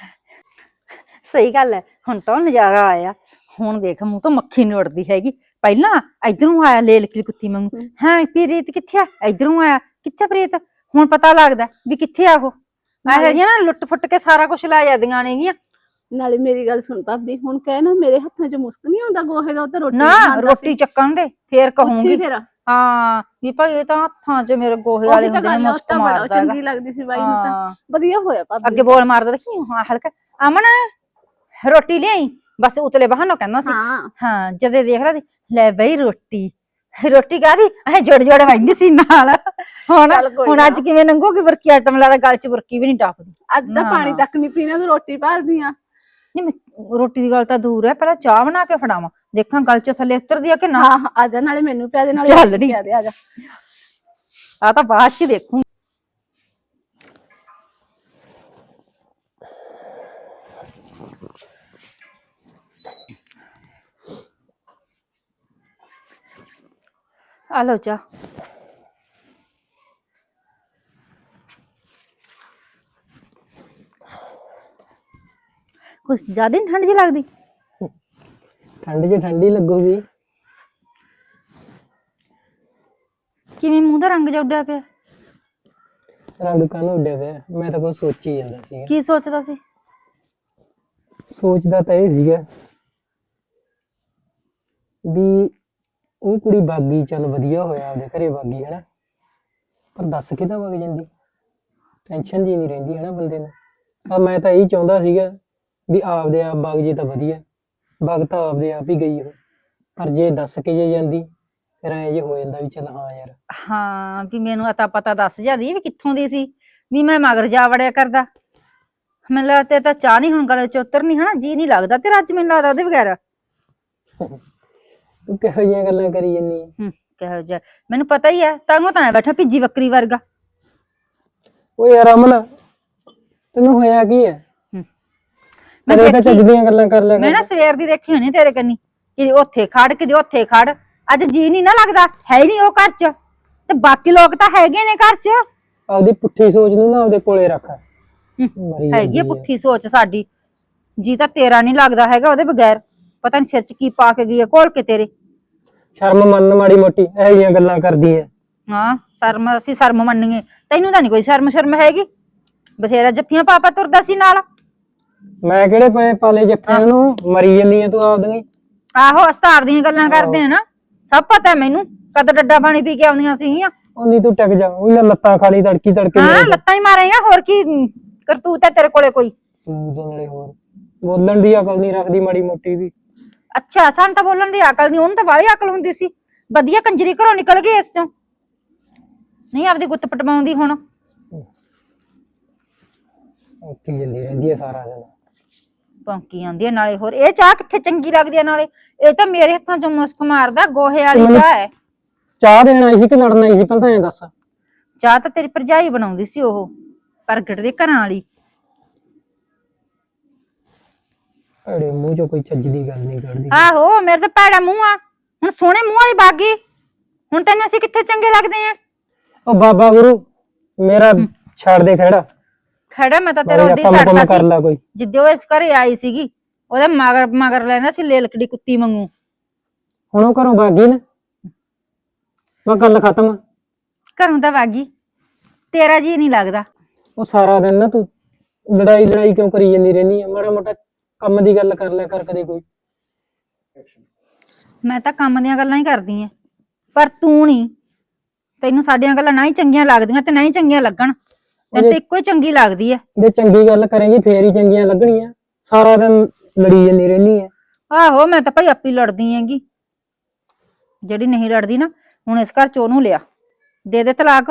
ਸਹੀ ਗੱਲ ਐ, ਹੁਣ ਤਾਂ ਉਹ ਨਜ਼ਾਰਾ ਆਇਆ। ਹੁਣ ਦੇਖ ਮੂੰਹ ਤੋਂ ਮੱਖੀ ਨੀ ਉੱਡਦੀ ਹੈਗੀ। ਪਹਿਲਾਂ ਇਧਰੋਂ ਆਇਆ ਲੇਲਕੀ ਕੁੱਤੀ ਵਾਂਗੂ, ਹਾਂ ਪ੍ਰੀਤ ਕਿੱਥੇ ਆ, ਇਧਰੋਂ ਆਇਆ ਕਿੱਥੇ ਪ੍ਰੀਤ। ਹੁਣ ਪਤਾ ਲੱਗਦਾ ਵੀ ਕਿੱਥੇ ਆ ਉਹ। ਇਹੋ ਜਿਹੀਆਂ ਨਾ ਲੁੱਟ ਫੁੱਟ ਕੇ ਸਾਰਾ ਕੁਛ ਲੈ ਜਾਂਦੀਆਂ ਨੇਗੀਆਂ। ਨਾਲੇ ਮੇਰੀ ਗੱਲ ਸੁਣ ਭਾਬੀ, ਹੁਣ ਕਹਿ ਨਾ ਮੇਰੇ ਹੱਥਾਂ 'ਚ ਮੁਸਕ ਨਹੀਂ ਆਉਂਦਾ ਗੋਹੇ ਦਾ, ਉਹ ਤਾਂ ਰੋਟੀ ਨਾ ਰੋਟੀ ਚੱਕਣ ਦੇ ਫੇਰ ਕਹੂੰਗੀ ਫਿਰ ਹਾਂ ਵੀ ਭਾਈ ਇਹ ਤਾਂ ਹੱਥਾਂ 'ਚ ਮੇਰੇ ਗੋਹੇ ਵਾਲੇ ਹੁੰਦੇ ਨੇ, ਮੁਸਕ ਮਾਰਦਾ ਹੈਗਾ। ਚੰਗੀ ਲੱਗਦੀ ਸੀ ਬਾਈ ਨੂੰ ਤਾਂ, ਵਧੀਆ ਹੋਇਆ ਭਾਬੀ। ਅੱਗੇ ਬੋਲ ਮਾਰਦਾ ਦੇਖੀ ਹਾਂ ਹਲਕਾ, ਅਮਨ ਰੋਟੀ ਲਿਆਈ, ਬਸ ਉਤਲੇ ਬਹਾਨੋਂ ਕਹਿੰਦਾ ਸੀ। ਹਾਂ ਜਦੇ ਦੇਖ ਲਾ ਲੈ ਬਈ ਰੋਟੀ ਕਾਹਦੀ ਇਹ ਜੋੜ ਵੰਦੀ ਸੀ ਨਾਲ। ਹੁਣ ਅੱਜ ਕਿਵੇਂ ਲੰਘੂਗੀ ਬੁਰਕੀ, ਅੱਜ ਤਾਂ ਮੈਨੂੰ ਲੱਗਦਾ ਗਲ 'ਚ ਬੁਰਕੀ ਵੀ ਨਹੀਂ ਟੱਪਦੀ। ਅੱਜ ਤਾਂ ਪਾਣੀ ਤੱਕ ਨਹੀਂ ਪੀਣਾ, ਤੂੰ ਰੋਟੀ ਭਾਲਦੀ ਆ। ਨਹੀਂ ਰੋਟੀ ਦੀ ਗੱਲ ਤਾਂ ਦੂਰ ਹੈ, ਪਹਿਲਾਂ ਚਾਹ ਬਣਾ ਕੇ ਫੜਾਵਾਂ, ਦੇਖਾਂ ਗਲ 'ਚ ਥੱਲੇ ਉਤਰਦੀ ਆ ਕਿ ਨਾ। ਹਾਂ ਆ ਜਾ, ਨਾਲੇ ਮੈਨੂੰ ਪਿਆ ਦੇ, ਨਾਲੇ ਚੱਲ ਨੀ ਪਿਆ ਦੇ, ਆ ਜਾ। ਆ ਤਾਂ ਬਾਅਦ 'ਚ ਦੇਖੂੰ। ਆ ਲਓ ਚਾਹ। ਕੁਛ ਜ਼ਿਆਦਾ ਠੰਡ ਜਿਹੀ ਲੱਗਦੀ। ਠੰਡ 'ਚ ਠੰਡੀ ਲੱਗੂਗੀ। ਕਿਵੇਂ ਮੂੰਹ ਦਾ ਰੰਗ ਜਿਹਾ ਉੱਡਿਆ ਪਿਆ। ਰੰਗ ਕਾਹਨੂੰ ਉੱਡਿਆ ਪਿਆ, ਮੈਂ ਤਾਂ ਕੁਝ ਸੋਚੀ ਜਾਂਦਾ ਸੀਗਾ। ਕੀ ਸੋਚਦਾ ਸੀ। ਸੋਚਦਾ ਤਾਂ ਇਹ ਸੀਗਾ ਵੀ ਉਹ ਕੁੜੀ ਬਾਗੀ, ਚੱਲ ਵਧੀਆ ਹੋਇਆ ਆਪਦੇ ਘਰੇ ਬਾਗੀ ਹਨਾ, ਪਰ ਦੱਸ ਕਿੱਦਾਂ ਵਗ ਜਾਂਦੀ, ਟੈਨਸ਼ਨ ਜੀ ਨਹੀਂ ਰਹਿੰਦੀ ਹਨਾ ਬੰਦੇ ਨੂੰ। ਆ ਮੈਂ ਤਾਂ ਇਹੀ ਚਾਹੁੰਦਾ ਸੀਗਾ ਵੀ ਆਪਦੇ ਆਪ ਵਗ ਜੇ ਤਾਂ ਵਧੀਆ, ਵਗ ਤਾਂ ਆਪਦੇ ਆਪ ਹੀ ਗਈ ਉਹ, ਪਰ ਜੇ ਦੱਸ ਕੇ ਜੇ ਜਾਂਦੀ ਫਿਰ ਐਂ ਜੇ ਹੋ ਜਾਂਦਾ ਵੀ ਚੱਲ ਹਾਂ ਯਾਰ। ਹਾਂ ਵੀ ਮੈਨੂੰ ਅਤਾ ਪਤਾ ਦੱਸ ਜਾਂਦੀ ਵੀ ਕਿੱਥੋਂ ਦੀ ਸੀ, ਵੀ ਮੈਂ ਮਗਰ ਜਾ ਵੜਿਆ ਕਰਦਾ। ਮੈਨੂੰ ਲੱਗਦਾ ਤੇ ਤਾਂ ਚਾਹ ਨਹੀਂ ਹੁਣ ਗਲੇ 'ਚ ਉਤਰਨੀ ਹਨਾ, ਜੀ ਨਹੀਂ ਲੱਗਦਾ ਤੇਰਾ ਅੱਜ ਮੈਨੂੰ ਲੱਗਦਾ ਉਹਦੇ ਬਗੈਰ। ਤੂੰ ਕਿਹੋ ਜਿਹੀਆਂ ਗੱਲਾਂ ਕਰੀ ਜਾਂਦੀ ਹੈ। ਕਿਹੋ ਜਿਹਾ ਮੈਨੂੰ ਪਤਾ ਹੀ ਹੈ, ਤਾਂਗੋ ਤਾਂ ਬੈਠਾ ਭਿੱਜੀ ਬੱਕਰੀ ਵਰਗਾ। ਓ ਯਾਰ ਅਮਨ ਤੈਨੂੰ ਹੋਇਆ ਕੀ ਹੈ, ਮੈਂ ਤਾਂ ਚੱਜ ਦੀਆਂ ਗੱਲਾਂ ਕਰ ਲਿਆ ਮੈਂ ਨਾ ਸਵੇਰ ਦੀ ਦੇਖੀ ਹੋਣੀ ਤੇਰੇ ਕੰਨੀ, ਕਿਤੇ ਉੱਥੇ ਖੜ ਕਿਤੇ ਉੱਥੇ ਖੜ। ਅੱਜ ਜੀ ਨਹੀਂ ਨਾ ਲੱਗਦਾ, ਹੈ ਹੀ ਨਹੀਂ ਉਹ ਘਰ 'ਚ, ਤੇ ਬਾਕੀ ਲੋਕ ਤਾਂ ਹੈਗੇ ਨੇ ਘਰ 'ਚ। ਆਪਦੀ ਪੁੱਠੀ ਸੋਚ ਨੂੰ ਨਾ ਆਪਦੇ ਕੋਲੇ ਰੱਖ। ਹੈਗੀ ਪੁੱਠੀ ਸੋਚ ਸਾਡੀ, ਜੀ ਤਾਂ ਤੇਰਾ ਨਹੀਂ ਲੱਗਦਾ ਹੈਗਾ ਉਹਦੇ ਬਗੈਰ। ਪਤਾ ਨੀ ਸਿਰ 'ਚ ਕੀ ਪਾ ਕੇ ਗਈ ਹੈ ਘੋਲ ਕੇ ਤੇਰੇ। ਸ਼ਰਮ ਮੰਨ ਮਾੜੀ ਮੋਟੀ, ਇਹੋ ਜਿਹੀਆਂ ਗੱਲਾਂ ਕਰਦੀ ਹੈ। ਹਾਂ ਸ਼ਰਮ, ਅਸੀਂ ਸ਼ਰਮ ਮੰਨੀਏ, ਤੈਨੂੰ ਤਾਂ ਨੀ ਕੋਈ ਸ਼ਰਮ ਹੈਗੀ। ਬਥੇਰਾ ਜੱਫੀਆਂ ਪਾਪਾ ਤੁਰਦਾ ਸੀ ਨਾਲ। ਮੈਂ ਕਿਹੜੇ ਪਏ ਪਾਲੇ ਜੱਫਿਆਂ ਨੂੰ, ਮਰੀ ਜਾਂਦੀ ਆ ਤੂੰ ਆਪਦੀਆਂ। ਆਹੋ ਅਸਤਾਰ ਦੀਆਂ ਗੱਲਾਂ ਕਰਦੇ ਆ ਨਾ, ਸਭ ਪਤਾ ਮੈਨੂੰ ਕਦ ਡੱਡਾ ਪਾਣੀ ਪੀ ਕੇ ਆਉਂਦੀਆਂ ਸੀਗੀਆਂ। ਉਨੀ ਤੂੰ ਟਿਕ ਜਾ, ਉਹੀ ਲੱਤਾਂ ਖਾਲੀ ਤੜਕੀ ਤੜਕੇ। ਹਾਂ ਲੱਤਾਂ ਹੀ ਮਾਰੇਗਾ, ਹੋਰ ਕੀ ਕਰਤੂਤ ਹੈ ਤੇਰੇ ਕੋਲੇ ਕੋਈ। ਨਾਲੇ ਹੋਰ ਬੋਲਣ ਦੀ ਅਕਲ ਨਹੀਂ ਰੱਖਦੀ ਮਾੜੀ ਮੋਟੀ ਵੀ। ਅੱਛਾ ਸਾਨੂੰ ਤਾਂ ਬੋਲਣ ਦੀ ਅਕਲ ਨਹੀਂ, ਉਹਨੂੰ ਤਾਂ ਵਾਲੀ ਅਕਲ ਹੁੰਦੀ ਸੀ। ਵਧੀਆ ਕੰਜਰੀ ਘਰੋਂ ਨਿਕਲ ਗਈ ਇਸ ਚੋਂ, ਨਹੀਂ ਆਪਦੀ ਗੁੱਤ ਪਟਵਾਉਂਦੀ ਹੁਣ। ਔਖੀ ਜਾਂਦੀ ਰਹਿੰਦੀ ਹੈ ਸਾਰਾ ਦਿਨ। ਭੌਂਕੀ ਆਉਂਦੀ ਹੈ ਨਾਲੇ। ਹੋਰ ਇਹ ਚਾਹ ਕਿੱਥੇ ਚੰਗੀ ਲੱਗਦੀ ਹੈ ਨਾਲੇ, ਇਹ ਤਾਂ ਮੇਰੇ ਹੱਥਾਂ ਚੋਂ ਮੁਸਕ ਮਾਰਦਾ, ਗੋਹੇ ਵਾਲੀ ਚਾਹ ਹੈ। ਚਾਹ ਦੇਣ ਆਈ ਸੀ ਕਿ ਲੜਨ ਆਈ ਸੀ ਪਹਿਲਾਂ ਤਾਂ ਐਂ ਦੱਸ। ਚਾਹ ਤਾਂ ਤੇਰੀ ਭਰਜਾਈ ਬਣਾਉਂਦੀ ਸੀ, ਉਹ ਪ੍ਰਗਟ ਦੇ ਘਰਾਂ ਵਾਲੀ। ਅੜੇ ਮੂੰਹ ਚੋਂ ਕੋਈ ਚੱਜ ਦੀ ਗੱਲ ਨਹੀਂ ਕੱਢਦੀ। ਆਹੋ ਮੇਰੇ ਤਾਂ ਭੈੜਾ ਮੂੰਹ ਆ, ਹੁਣ ਸੋਹਣੇ ਮੂੰਹ ਵਾਲੀ ਬਾਗੀ। ਹੁਣ ਤੈਨੂੰ ਅਸੀਂ ਕਿੱਥੇ ਚੰਗੇ ਲੱਗਦੇ ਆ। ਉਹ ਬਾਬਾ ਗੁਰੂ ਮੇਰਾ ਛੱਡ ਦੇ ਖੜਾ। ਖੜਾ ਮੈਂ ਤਾਂ ਤੇਰਾ ਬਾਈ ਉਹਦੀ ਕੰਮ ਛੱਡਤਾ ਕਰ ਸੀ ਲਾ ਕੋਈ। ਜਿੱਦੇ ਉਹ ਇਸ ਘਰੇ ਆਈ ਸੀਗੀ ਉਹਦੇ ਮਗਰ ਮਗਰ ਲੈਂਦਾ ਸੀ ਲੇਲਕੜੀ ਕੁੱਤੀ ਵਾਂਗੂ। ਹੁਣ ਉਹ ਘਰੋਂ ਭਾਗੀ ਨਾ, ਮੈਂ ਗੱਲ ਖਤਮ। ਘਰੋਂ ਤਾਂ ਵਾਗੀ, ਤੇਰਾ ਜੀ ਨਹੀਂ ਲੱਗਦਾ। ਉਹ ਸਾਰਾ ਦਿਨ ਨਾ ਤੂੰ ਲੜਾਈ ਲੜਾਈ ਕਿਉਂ ਕਰੀ ਜਾਂਦੀ ਰਹਿੰਦੀ ਆ? ਮਾੜਾ ਮੋਟਾ ਕੰਮ ਦੀ ਗੱਲ ਕਰ ਲਿਆ ਕਰ ਕਦੇ ਕੋਈ। ਮੈਂ ਤਾਂ ਕੰਮ ਦੀਆਂ ਗੱਲਾਂ ਹੀ ਕਰਦੀ ਆ, ਪਰ ਤੂੰ ਨਹੀਂ। ਤੈਨੂੰ ਸਾਡੀਆਂ ਗੱਲਾਂ ਨਾ ਹੀ ਚੰਗੀਆਂ ਲੱਗਦੀਆਂ ਤੇ ਨਾ ਹੀ ਚੰਗੀਆਂ ਲੱਗਣ। ਤੈਨੂੰ ਤਾਂ ਇੱਕੋ ਹੀ ਚੰਗੀ ਲੱਗਦੀ ਹੈ। ਜੇ ਚੰਗੀ ਗੱਲ ਕਰੇਂਗੀ ਫੇਰ ਹੀ ਚੰਗੀਆਂ ਲੱਗਣੀਆਂ। ਸਾਰਾ ਦਿਨ ਲੜੀ ਜਾਂਦੀ ਰਹਿੰਦੀ ਆ। ਆਹੋ ਮੈਂ ਤਾਂ ਭਾਈ ਆਪੀ ਲੜਦੀ ਹੈਗੀ। ਜਿਹੜੀ ਨਹੀਂ ਲੜਦੀ ਨਾ, ਹੁਣ ਇਸ ਘਰ ਚ ਉਹਨੂੰ ਲਿਆ, ਦੇ ਤਲਾਕ।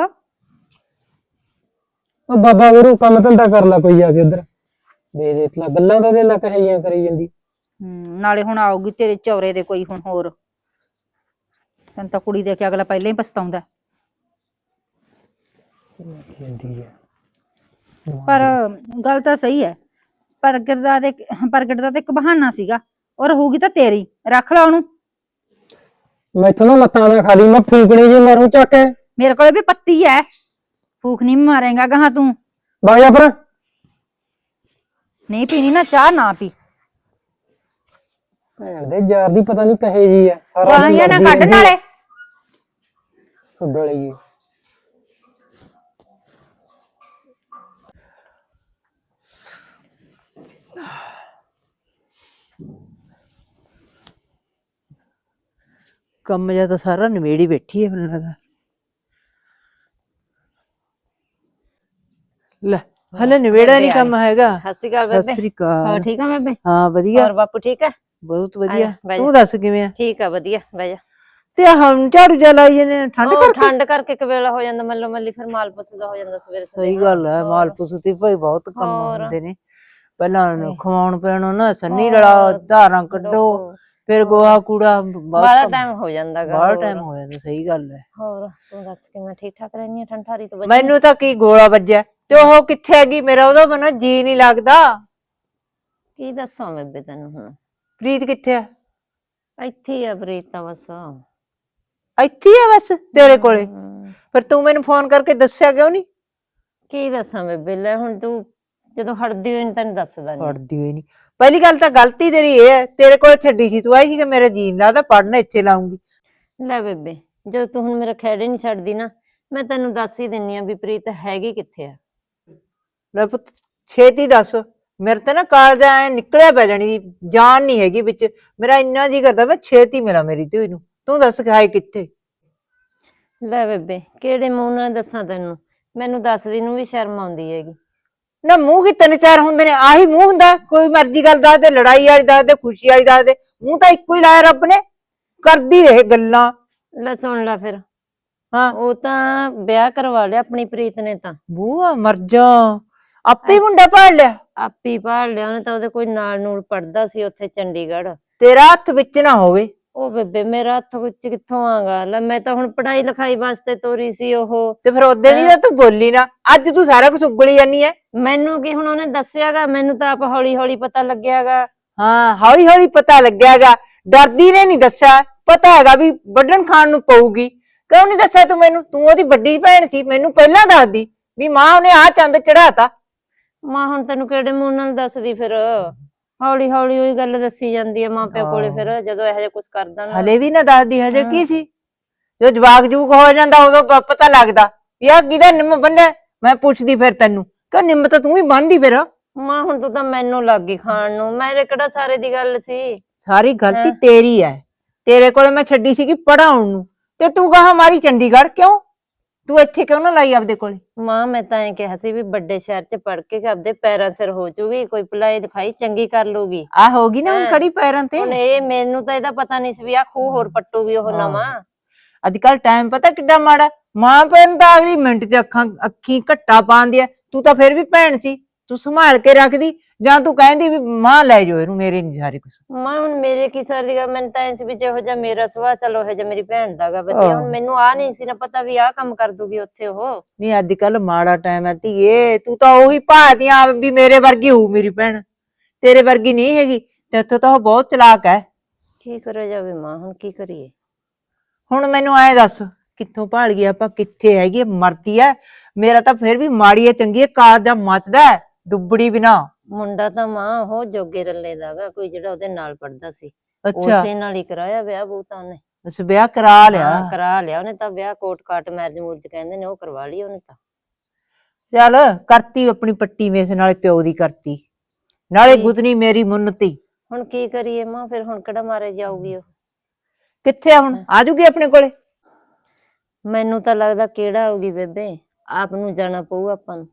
ਉਹ ਬਾਬਾ ਗੁਰੂ ਕੰਮ ਧੰਦਾ ਕਰ ਲਾ ਕੋਈ ਆ ਕੇ ਉਧਰ, ਦੇ ਤਲਾ ਗੱਲਾਂ ਤਾਂ ਦੇ ਲਾ ਕਹੇ ਜਿਹੀਆਂ ਕਰੀ ਜਾਂਦੀ। ਨਾਲੇ ਹੁਣ ਆਊਗੀ ਤੇਰੇ ਚੌਰੇ ਦੇ ਕੋਈ ਹੁਣ ਹੋਰ। ਤੈਨੂੰ ਤਾਂ ਕੁੜੀ ਦੇ ਕੇ ਅਗਲਾ ਪਹਿਲਾਂ ਹੀ ਪਛਤਾਉਂਦਾ। ਪਰ ਗੱਲ ਤਾਂ ਸਹੀ ਹੈ। ਪ੍ਰਗਟ ਦਾ ਤੇ ਇੱਕ ਬਹਾਨਾ ਸੀਗਾ, ਉਹ ਰਹੂਗੀ ਤਾਂ ਤੇਰੀ। ਰੱਖ ਲਾ ਉਹਨੂੰ। ਮੈਥੋਂ ਨਾ ਲੱਤਾਂ ਦਾ ਖਾਲੀ, ਮੈਂ ਫੂਕਣੀ ਜੀ ਮਾਰੂ ਚੱਕ ਕੇ। ਮੇਰੇ ਕੋਲ ਵੀ ਪੱਤੀ ਹੈ, ਫੂਕ ਨਹੀਂ ਮਾਰੇਗਾ ਗਾਹਾਂ ਤੂੰ। ਬਾਇਆ ਪਰ ਨਹੀਂ ਪੀਣੀ ਨਾ ਚਾਹ ਨਾ ਪੀ। ਭੈਣ ਦੇ ਯਾਰ ਦੀ ਪਤਾ ਨਹੀਂ ਕਹੇ ਜੀ ਆ। ਗਾਲੀਆਂ ਨਾ ਕੱਢ ਨਾਲੇ। ਛੱਡੋ ਲਈ ਕੰਮ ਜਿਹਾ ਤਾਂ ਸਾਰਾ ਨਿਬੇੜੀ ਬੈਠੀ ਹੈ ਮੈਨੂੰ ਲੱਗਦਾ। ਲੈ ਹਲੇ ਨਿਬੇੜਾ ਨਹੀਂ ਕੰਮ ਹੈਗਾ। ਸਤਿ ਸ਼੍ਰੀ ਅਕਾਲ ਸਤਿ ਬੇਬੇ। ਸ੍ਰੀ ਅਕਾਲ। ਹੋਰ ਠੀਕ ਆ ਬੇਬੇ? ਹਾਂ ਵਧੀਆ। ਹੋਰ ਬਾਪੂ ਠੀਕ ਆ? ਬਹੁਤ ਵਧੀਆ। ਬਹਿ ਜਾ। ਤੂੰ ਦੱਸ ਕਿਵੇਂ ਆ? ਠੀਕ ਆ ਵਧੀਆ, ਬਹਿ ਜਾ। ਤੇ ਹਮ ਝਾੜੂ ਜਾ ਲਾਈ ਜਾਂਦੇ ਨੇ ਠੰਡ ਉਹ ਕਰਕੇ। ਠੰਡ ਕਰਕੇ ਕਵੇਲਾ ਹੋ ਜਾਂਦਾ ਮੱਲੋ ਮੱਲੀ, ਫਿਰ ਮਾਲ ਪਸ਼ੂ ਦਾ ਹੋ ਜਾਂਦਾ ਸਵੇਰੇ ਸਵੇਰੇ। ਸਹੀ ਗੱਲ ਹੈ, ਹੋਰ। ਮਾਲ ਪਸ਼ੂ ਤੇ ਭਾਈ ਬਹੁਤ ਕੰਮ ਹੋਰ। ਹੁੰਦੇ ਨੇ। ਪਹਿਲਾਂ ਹਾਏ। ਖਵਾਉਣ ਪਿਆਉਣ ਨਾ ਸੰਨੀ ਹੋਰ। ਰਲਾ, ਧਾਰਾਂ ਕੱਢੋ, ਡੋਕੋ। ਫਿਰ ਗੋਹਾ ਕੂੜਾ ਬਾਹਲਾ ਟਾਈਮ ਹੋ ਜਾਂਦਾ ਗਾ। ਬਾਹਲਾ ਹੋਰ। ਟਾਈਮ ਹੋ ਜਾਂਦਾ। ਸਹੀ ਗੱਲ ਹੈ। ਹੋਰ ਤੂੰ ਦੱਸ ਕਿਵੇਂ ਠੀਕ ਠਾਕ ਰਹਿਨੀ ਆ? ਠੰਡਾਰੀ ਤੋਂ ਬਚੀ? ਮੈਨੂੰ ਤਾਂ ਕੀ ਗੋਲਾ ਵੱਜਿਆ ਤੇ ਉਹ ਕਿੱਥੇ ਹੈਗੀ? ਮੇਰਾ ਉਹਦਾ ਮਨ ਜੀ ਨਹੀਂ ਲੱਗਦਾ। ਕੀ ਦੱਸਾਂ ਬੇਬੇ ਤੈਨੂੰ ਹੁਣ? ਪ੍ਰੀਤ ਕਿੱਥੇ ਆ? ਇੱਥੇ ਹੀ ਆ ਪ੍ਰੀਤ ਤਾਂ ਬਸ। ਇੱਥੇ ਹੀ ਆ ਬਸ ਤੇਰੇ ਕੋਲੇ? ਹਮ, ਪਰ ਤੂੰ ਮੈਨੂੰ ਫੋਨ ਕਰਕੇ ਦੱਸਿਆ ਕਿਉਂ ਨਹੀਂ? ਕੀ ਦੱਸਾਂ ਬੇਬੇ? ਲੈ ਹੁਣ ਤੂੰ ਜਦੋਂ ਹਟਦੀ ਹੋਈ ਨੀ ਤੈਨੂੰ ਦੱਸਦਾ ਨੀ। ਪੜਦੀ ਹੋਈ ਨਹੀਂ। ਪਹਿਲੀ ਗੱਲ ਤਾਂ ਗਲਤੀ ਤੇਰੀ ਇਹ ਹੈ, ਤੇਰੇ ਕੋਲ ਛੱਡੀ ਸੀ, ਤੂੰ ਆਈ ਸੀ ਕਿ ਮੇਰਾ ਜੀਣ ਲੱਗਦਾ ਪੜਨਾ ਇੱਥੇ ਲਾਉਂਗੀ। ਲੈ ਬੇਬੇ, ਜਦੋਂ ਤੂੰ ਹੁਣ ਮੇਰਾ ਖਹਿੜੇ ਨਹੀਂ ਛੱਡਦੀ ਨਾ, ਮੈਂ ਤੈਨੂੰ ਦੱਸ ਹੀ ਦਿੰਨੀ ਆ ਵੀ ਪ੍ਰੀਤ ਹੈਗੀ ਕਿੱਥੇ ਆ। ਲੈ ਪੁੱਤ ਛੇਤੀ ਦੱਸ, ਮੇਰੇ ਤੇ ਨਾ ਕਾਲਜਾ ਐ ਨਿਕਲਿਆ ਪੈ ਜਾਣੀ ਦੀ ਜਾਨ ਨਹੀਂ ਹੈਗੀ ਵਿੱਚ। ਮੇਰਾ ਇੰਨਾ ਜੀ ਕਰਦਾ ਮੈਂ ਛੇਤੀ ਮਿਲਾਂ ਮੇਰੀ ਧੀ ਨੂੰ। ਤੂੰ ਦੱਸ ਕਿ ਹਾਏ ਕਿੱਥੇ? ਲੈ ਬੇਬੇ, ਕਿਹੜੇ ਮੂੰਹ ਨਾਲ ਦੱਸਾਂ ਤੈਨੂੰ? ਮੈਨੂੰ ਦੱਸਦੀ ਨੂੰ ਵੀ ਸ਼ਰਮ ਆਉਂਦੀ ਹੈਗੀ। ਨਾ ਮੂੰਹ ਕੀ ਤਿੰਨ ਚਾਰ ਹੁੰਦੇ ਨੇ? ਆਹੀ ਮੂੰਹ ਹੁੰਦਾ? ਕੋਈ ਮਰਜ਼ੀ ਗੱਲ ਦੱਸ ਦੇ, ਲੜਾਈ ਵਾਲੀ ਦੱਸ ਦੇ, ਖੁਸ਼ੀ ਵਾਲੀ ਦੱਸ ਦੇ, ਮੂੰਹ ਤਾਂ ਇੱਕੋ ਹੀ ਲਾਇਆ ਰੱਬ ਨੇ। ਕਰਦੀ ਰਹੇ ਗੱਲਾਂ। ਲੈ ਸੁਣ ਲੈ ਫਿਰ। ਹਾਂ ਉਹ ਤਾਂ ਵਿਆਹ ਕਰਵਾ ਲਿਆ ਆਪਣੀ ਪ੍ਰੀਤ ਨੇ ਤਾਂ। ਬੂਆ ਮਰ ਜਾ, ਆਪੇ ਹੀ ਮੁੰਡਾ ਪਾੜ ਲਿਆ। ਆਪੀ ਭਾਲ ਲਿਆ ਉਹਨੇ ਤਾਂ। ਉਹਦੇ ਕੋਈ ਨਾਲ ਨੂਲ ਪੜਦਾ ਸੀ ਉੱਥੇ ਚੰਡੀਗੜ੍ਹ। ਤੇਰਾ ਹੱਥ ਵਿੱਚ ਨਾ ਹੋਵੇ। ਉਹ ਬੇਬੇ ਮੇਰਾ ਹੱਥ ਵਿੱਚ ਕਿੱਥੋਂ ਆਗਾ? ਲੈ ਮੈਂ ਤਾਂ ਹੁਣ ਪੜ੍ਹਾਈ ਲਿਖਾਈ ਵਾਸਤੇ ਤੋਰੀ ਸੀ ਉਹ। ਤੇ ਫਿਰ ਉਹਦੇ ਦੀ ਤਾਂ ਤੂੰ ਬੋਲੀ ਨਾ, ਅੱਜ ਤੂੰ ਸਾਰਾ ਕੁਝ ਉਗਲੀ ਜਾਨੀ ਐ। ਮੈਨੂੰ ਕੀ ਹੁਣ ਉਹਨੇ ਦੱਸਿਆਗਾ? ਮੈਨੂੰ ਤਾਂ ਆਪ ਹੌਲੀ ਹੌਲੀ ਪਤਾ ਲੱਗਿਆਗਾ। ਹਾਂ ਹੌਲੀ ਹੌਲੀ ਪਤਾ ਲੱਗਿਆਗਾ। ਡਰਦੀ ਨੇ ਨਹੀਂ ਦੱਸਿਆ, ਪਤਾ ਹੈਗਾ ਵੀ ਵੱਢਣ ਖਾਣ ਨੂੰ ਪਊਗੀ। ਕਿਉਂ ਨਹੀਂ ਦੱਸਿਆ ਤੂੰ ਮੈਨੂੰ? ਤੂੰ ਉਹਦੀ ਵੱਡੀ ਭੈਣ ਸੀ, ਮੈਨੂੰ ਪਹਿਲਾਂ ਦੱਸਦੀ ਵੀ ਮਾਂ ਉਹਨੇ ਆਹ ਚੰਦ ਚੜਾਤਾ। ਮਾਂ ਹੁਣ ਤੈਨੂੰ ਕਿਹੜੇ ਮੂੰਹ ਨਾਲ ਦੱਸਦੀ ਫਿਰ? ਹੌਲੀ ਹੌਲੀ ਉਹੀ ਗੱਲ ਦੱਸੀ ਜਾਂਦੀ ਆ ਮਾਂ ਪਿਓ ਕੋਲੇ ਫਿਰ, ਜਦੋਂ ਇਹੋ ਜਿਹਾ ਕੁਝ ਕਰਦਾ ਨਾ। ਹਲੇ ਵੀ ਨਾ ਦੱਸਦੀ, ਹਜੇ ਹਾਂ। ਕੀ ਸੀ? ਜੋ ਜਵਾਕ ਜੂਕ ਹੋ ਜਾਂਦਾ ਉਦੋਂ ਪਤਾ ਲੱਗਦਾ ਵੀ ਆਹ ਕਿਹਦਾ ਨਿੰਮ ਬੰਨਿਆ। ਮੈਂ ਪੁੱਛਦੀ ਫਿਰ ਤੈਨੂੰ ਕਿ ਨਿੰਮ ਤਾਂ ਤੂੰ ਵੀ ਬੰਨਦੀ ਫਿਰ। ਮਾਂ ਹੁਣ ਤੂੰ ਤਾਂ ਮੈਨੂੰ ਲੱਗ ਗਈ ਖਾਣ ਨੂੰ। ਮੇਰੇ ਕਿਹੜਾ ਸਾਰੇ ਦੀ ਗੱਲ ਸੀ? ਸਾਰੀ ਗਲਤੀ ਹਾਂ। ਤੇਰੀ ਹੈ। ਤੇਰੇ ਕੋਲੇ ਮੈਂ ਛੱਡੀ ਸੀਗੀ ਪੜਾਉਣ ਨੂੰ, ਤੇ ਤੂੰ ਕਹਾ ਮਾਰੀ ਚੰਡੀਗੜ੍ਹ। ਕਿਉਂ ਤੂੰ ਇੱਥੇ ਕਿਉਂ ਨਾ ਲਾਈ ਆਪਦੇ ਕੋਲੇ? ਮਾਂ ਮੈਂ ਤਾਂ ਐਂ ਕਿਹਾ ਸੀ ਵੀ ਵੱਡੇ ਸ਼ਹਿਰ 'ਚ ਪੜ ਕੇ ਆਪਦੇ ਪੈਰਾਂ ਸਿਰ ਹੋ ਜਾਊਗੀ, ਕੋਈ ਪੜ੍ਹਾਈ ਲਿਖਾਈ ਚੰਗੀ ਕਰ ਲੂਗੀ। ਆ ਹੋਗੀ ਨਾ ਹੁਣ ਹਾਂ। ਖੜੀ ਪੈਰਾਂ ਤੇ। ਹੁਣ ਇਹ ਮੈਨੂੰ ਤਾਂ ਇਹਦਾ ਪਤਾ ਨਹੀਂ ਸੀ ਵੀ ਆਹ ਖੂਹ ਹੋਰ ਪੱਟੂਗੀ ਉਹ ਨਵਾਂ। ਅੱਜ ਕੱਲ ਟਾਈਮ ਪਤਾ ਕਿੱਡਾ ਮਾੜਾ। ਮਾਂ ਪਿਓ ਨੂੰ ਤਾਂ ਅਗਲੀ ਮਿੰਟ 'ਚ ਅੱਖੀ ਘੱਟਾ ਪਾਉਂਦੀ ਐ। ਤੂੰ ਤਾਂ ਫਿਰ ਵੀ ਭੈਣ ਸੀ, ਤੂੰ ਸੰਭਾਲ ਕੇ ਰੱਖਦੀ। ਜਾਂ ਤੂੰ ਕਹਿੰਦੀ ਵੀ ਮਾਂ ਲੈ ਜਾਓ ਇਹਨੂੰ, ਮੇਰੇ ਨਹੀਂ ਸਾਰੇ ਕੁਛ। ਮਾਂ ਹੁਣ ਮੇਰੇ ਕੀ ਸਾਰੀ ਗੱਲ? ਮੈਨੂੰ ਤਾਂ ਐਂ ਸੀ ਵੀ ਜਿਹੋ ਜਿਹਾ ਮੇਰਾ ਸੁਭਾਅ ਚਲੋ ਇਹੋ ਜਿਹਾ ਮੇਰੀ ਭੈਣ ਦਾ ਗਾ ਵਧੀਆ। ਹੁਣ ਮੈਨੂੰ ਆਹ ਨਹੀਂ ਸੀ ਨਾ ਪਤਾ ਵੀ ਆਹ ਕੰਮ ਕਰ ਦੂਗੀ ਉੱਥੇ ਉਹ। ਨਹੀਂ ਅੱਜ ਕੱਲ ਮਾੜਾ ਟਾਈਮ ਹੈ ਧੀਏ। ਤੂੰ ਤਾਂ ਉਹੀ ਭਾਲਦੀ ਆਂ ਵੀ ਮੇਰੇ ਵਰਗੀ ਹੋਊ ਮੇਰੀ ਭੈਣ, ਤੇਰੇ ਵਰਗੀ ਨਹੀਂ ਹੈਗੀ। ਤੇ ਇੱਥੋਂ ਤਾਂ ਉਹ ਬਹੁਤ ਚਲਾਕ ਹੈ। ਕੀ ਕਰਿਆ ਜਾਵੇ ਮਾਂ, ਹੁਣ ਕੀ ਕਰੀਏ? ਹੁਣ ਮੈਨੂੰ ਐਂ ਦੱਸ ਕਿੱਥੋਂ ਭਾਲ ਗਈ ਆਪਾਂ, ਕਿੱਥੇ ਹੈਗੀ ਮਰਦੀ ਐ। ਮੇਰਾ ਤਾਂ ਫਿਰ ਵੀ ਮਾੜੀ ਐ ਚੰਗੀ ਐ, ਕਾਲ ਜਾਂ ਮੱਚਦਾ ਡੁੱਬੜੀ ਬਿਨਾ। ਮੁੰਡਾ ਤਾਂ ਮਾਂ ਉਹ ਜੋਗੇ ਰੱਲੇ ਦਾਗਾ, ਕੋਈ ਜਿਹੜਾ ਉਹਦੇ ਨਾਲ ਪੜਦਾ ਸੀ ਅੱਛਾ ਉਸੇ ਨਾਲ ਹੀ ਕਰਾਇਆ ਵਿਆਹ ਬੂ ਤਾਂ ਉਹਨੇ। ਉਸ ਵਿਆਹ ਕਰਾ ਲਿਆ। ਹਾਂ ਕਰਾ ਲਿਆ ਉਹਨੇ ਤਾਂ ਵਿਆਹ, ਕੋਟ ਕਾਟ ਮੈਰਿਜ ਮੂਰਜ ਕਹਿੰਦੇ ਨੇ, ਉਹ ਕਰਵਾ ਲਈ ਉਹਨੇ ਤਾਂ। ਚੱਲ ਕਰਤੀ ਆਪਣੀ ਪੱਟੀ ਮੇਸ, ਨਾਲੇ ਪਿਓ ਦੀ ਕਰਤੀ, ਨਾਲੇ ਕੀ? ਗੁੱਤਨੀ ਮੇਰੀ ਮੁੰਨਤੀ। ਹੁਣ ਕੀ ਕਰੀਏ ਮਾਂ, ਫਿਰ ਹੁਣ ਕਿਹੜਾ ਮਾਰੇ ਜਾਊਗੀ ਉਹ। ਕਿੱਥੇ ਆ ਹੁਣ, ਆ ਜੂਗੀ ਆਪਣੇ ਕੋਲੇ? ਮੈਨੂੰ ਤਾਂ ਲੱਗਦਾ ਕਿਹੜਾ ਆਊਗੀ ਬੇਬੇ, ਆਪ ਨੂੰ ਜਾਣਾ ਪਊ ਆਪਾਂ ਨੂੰ।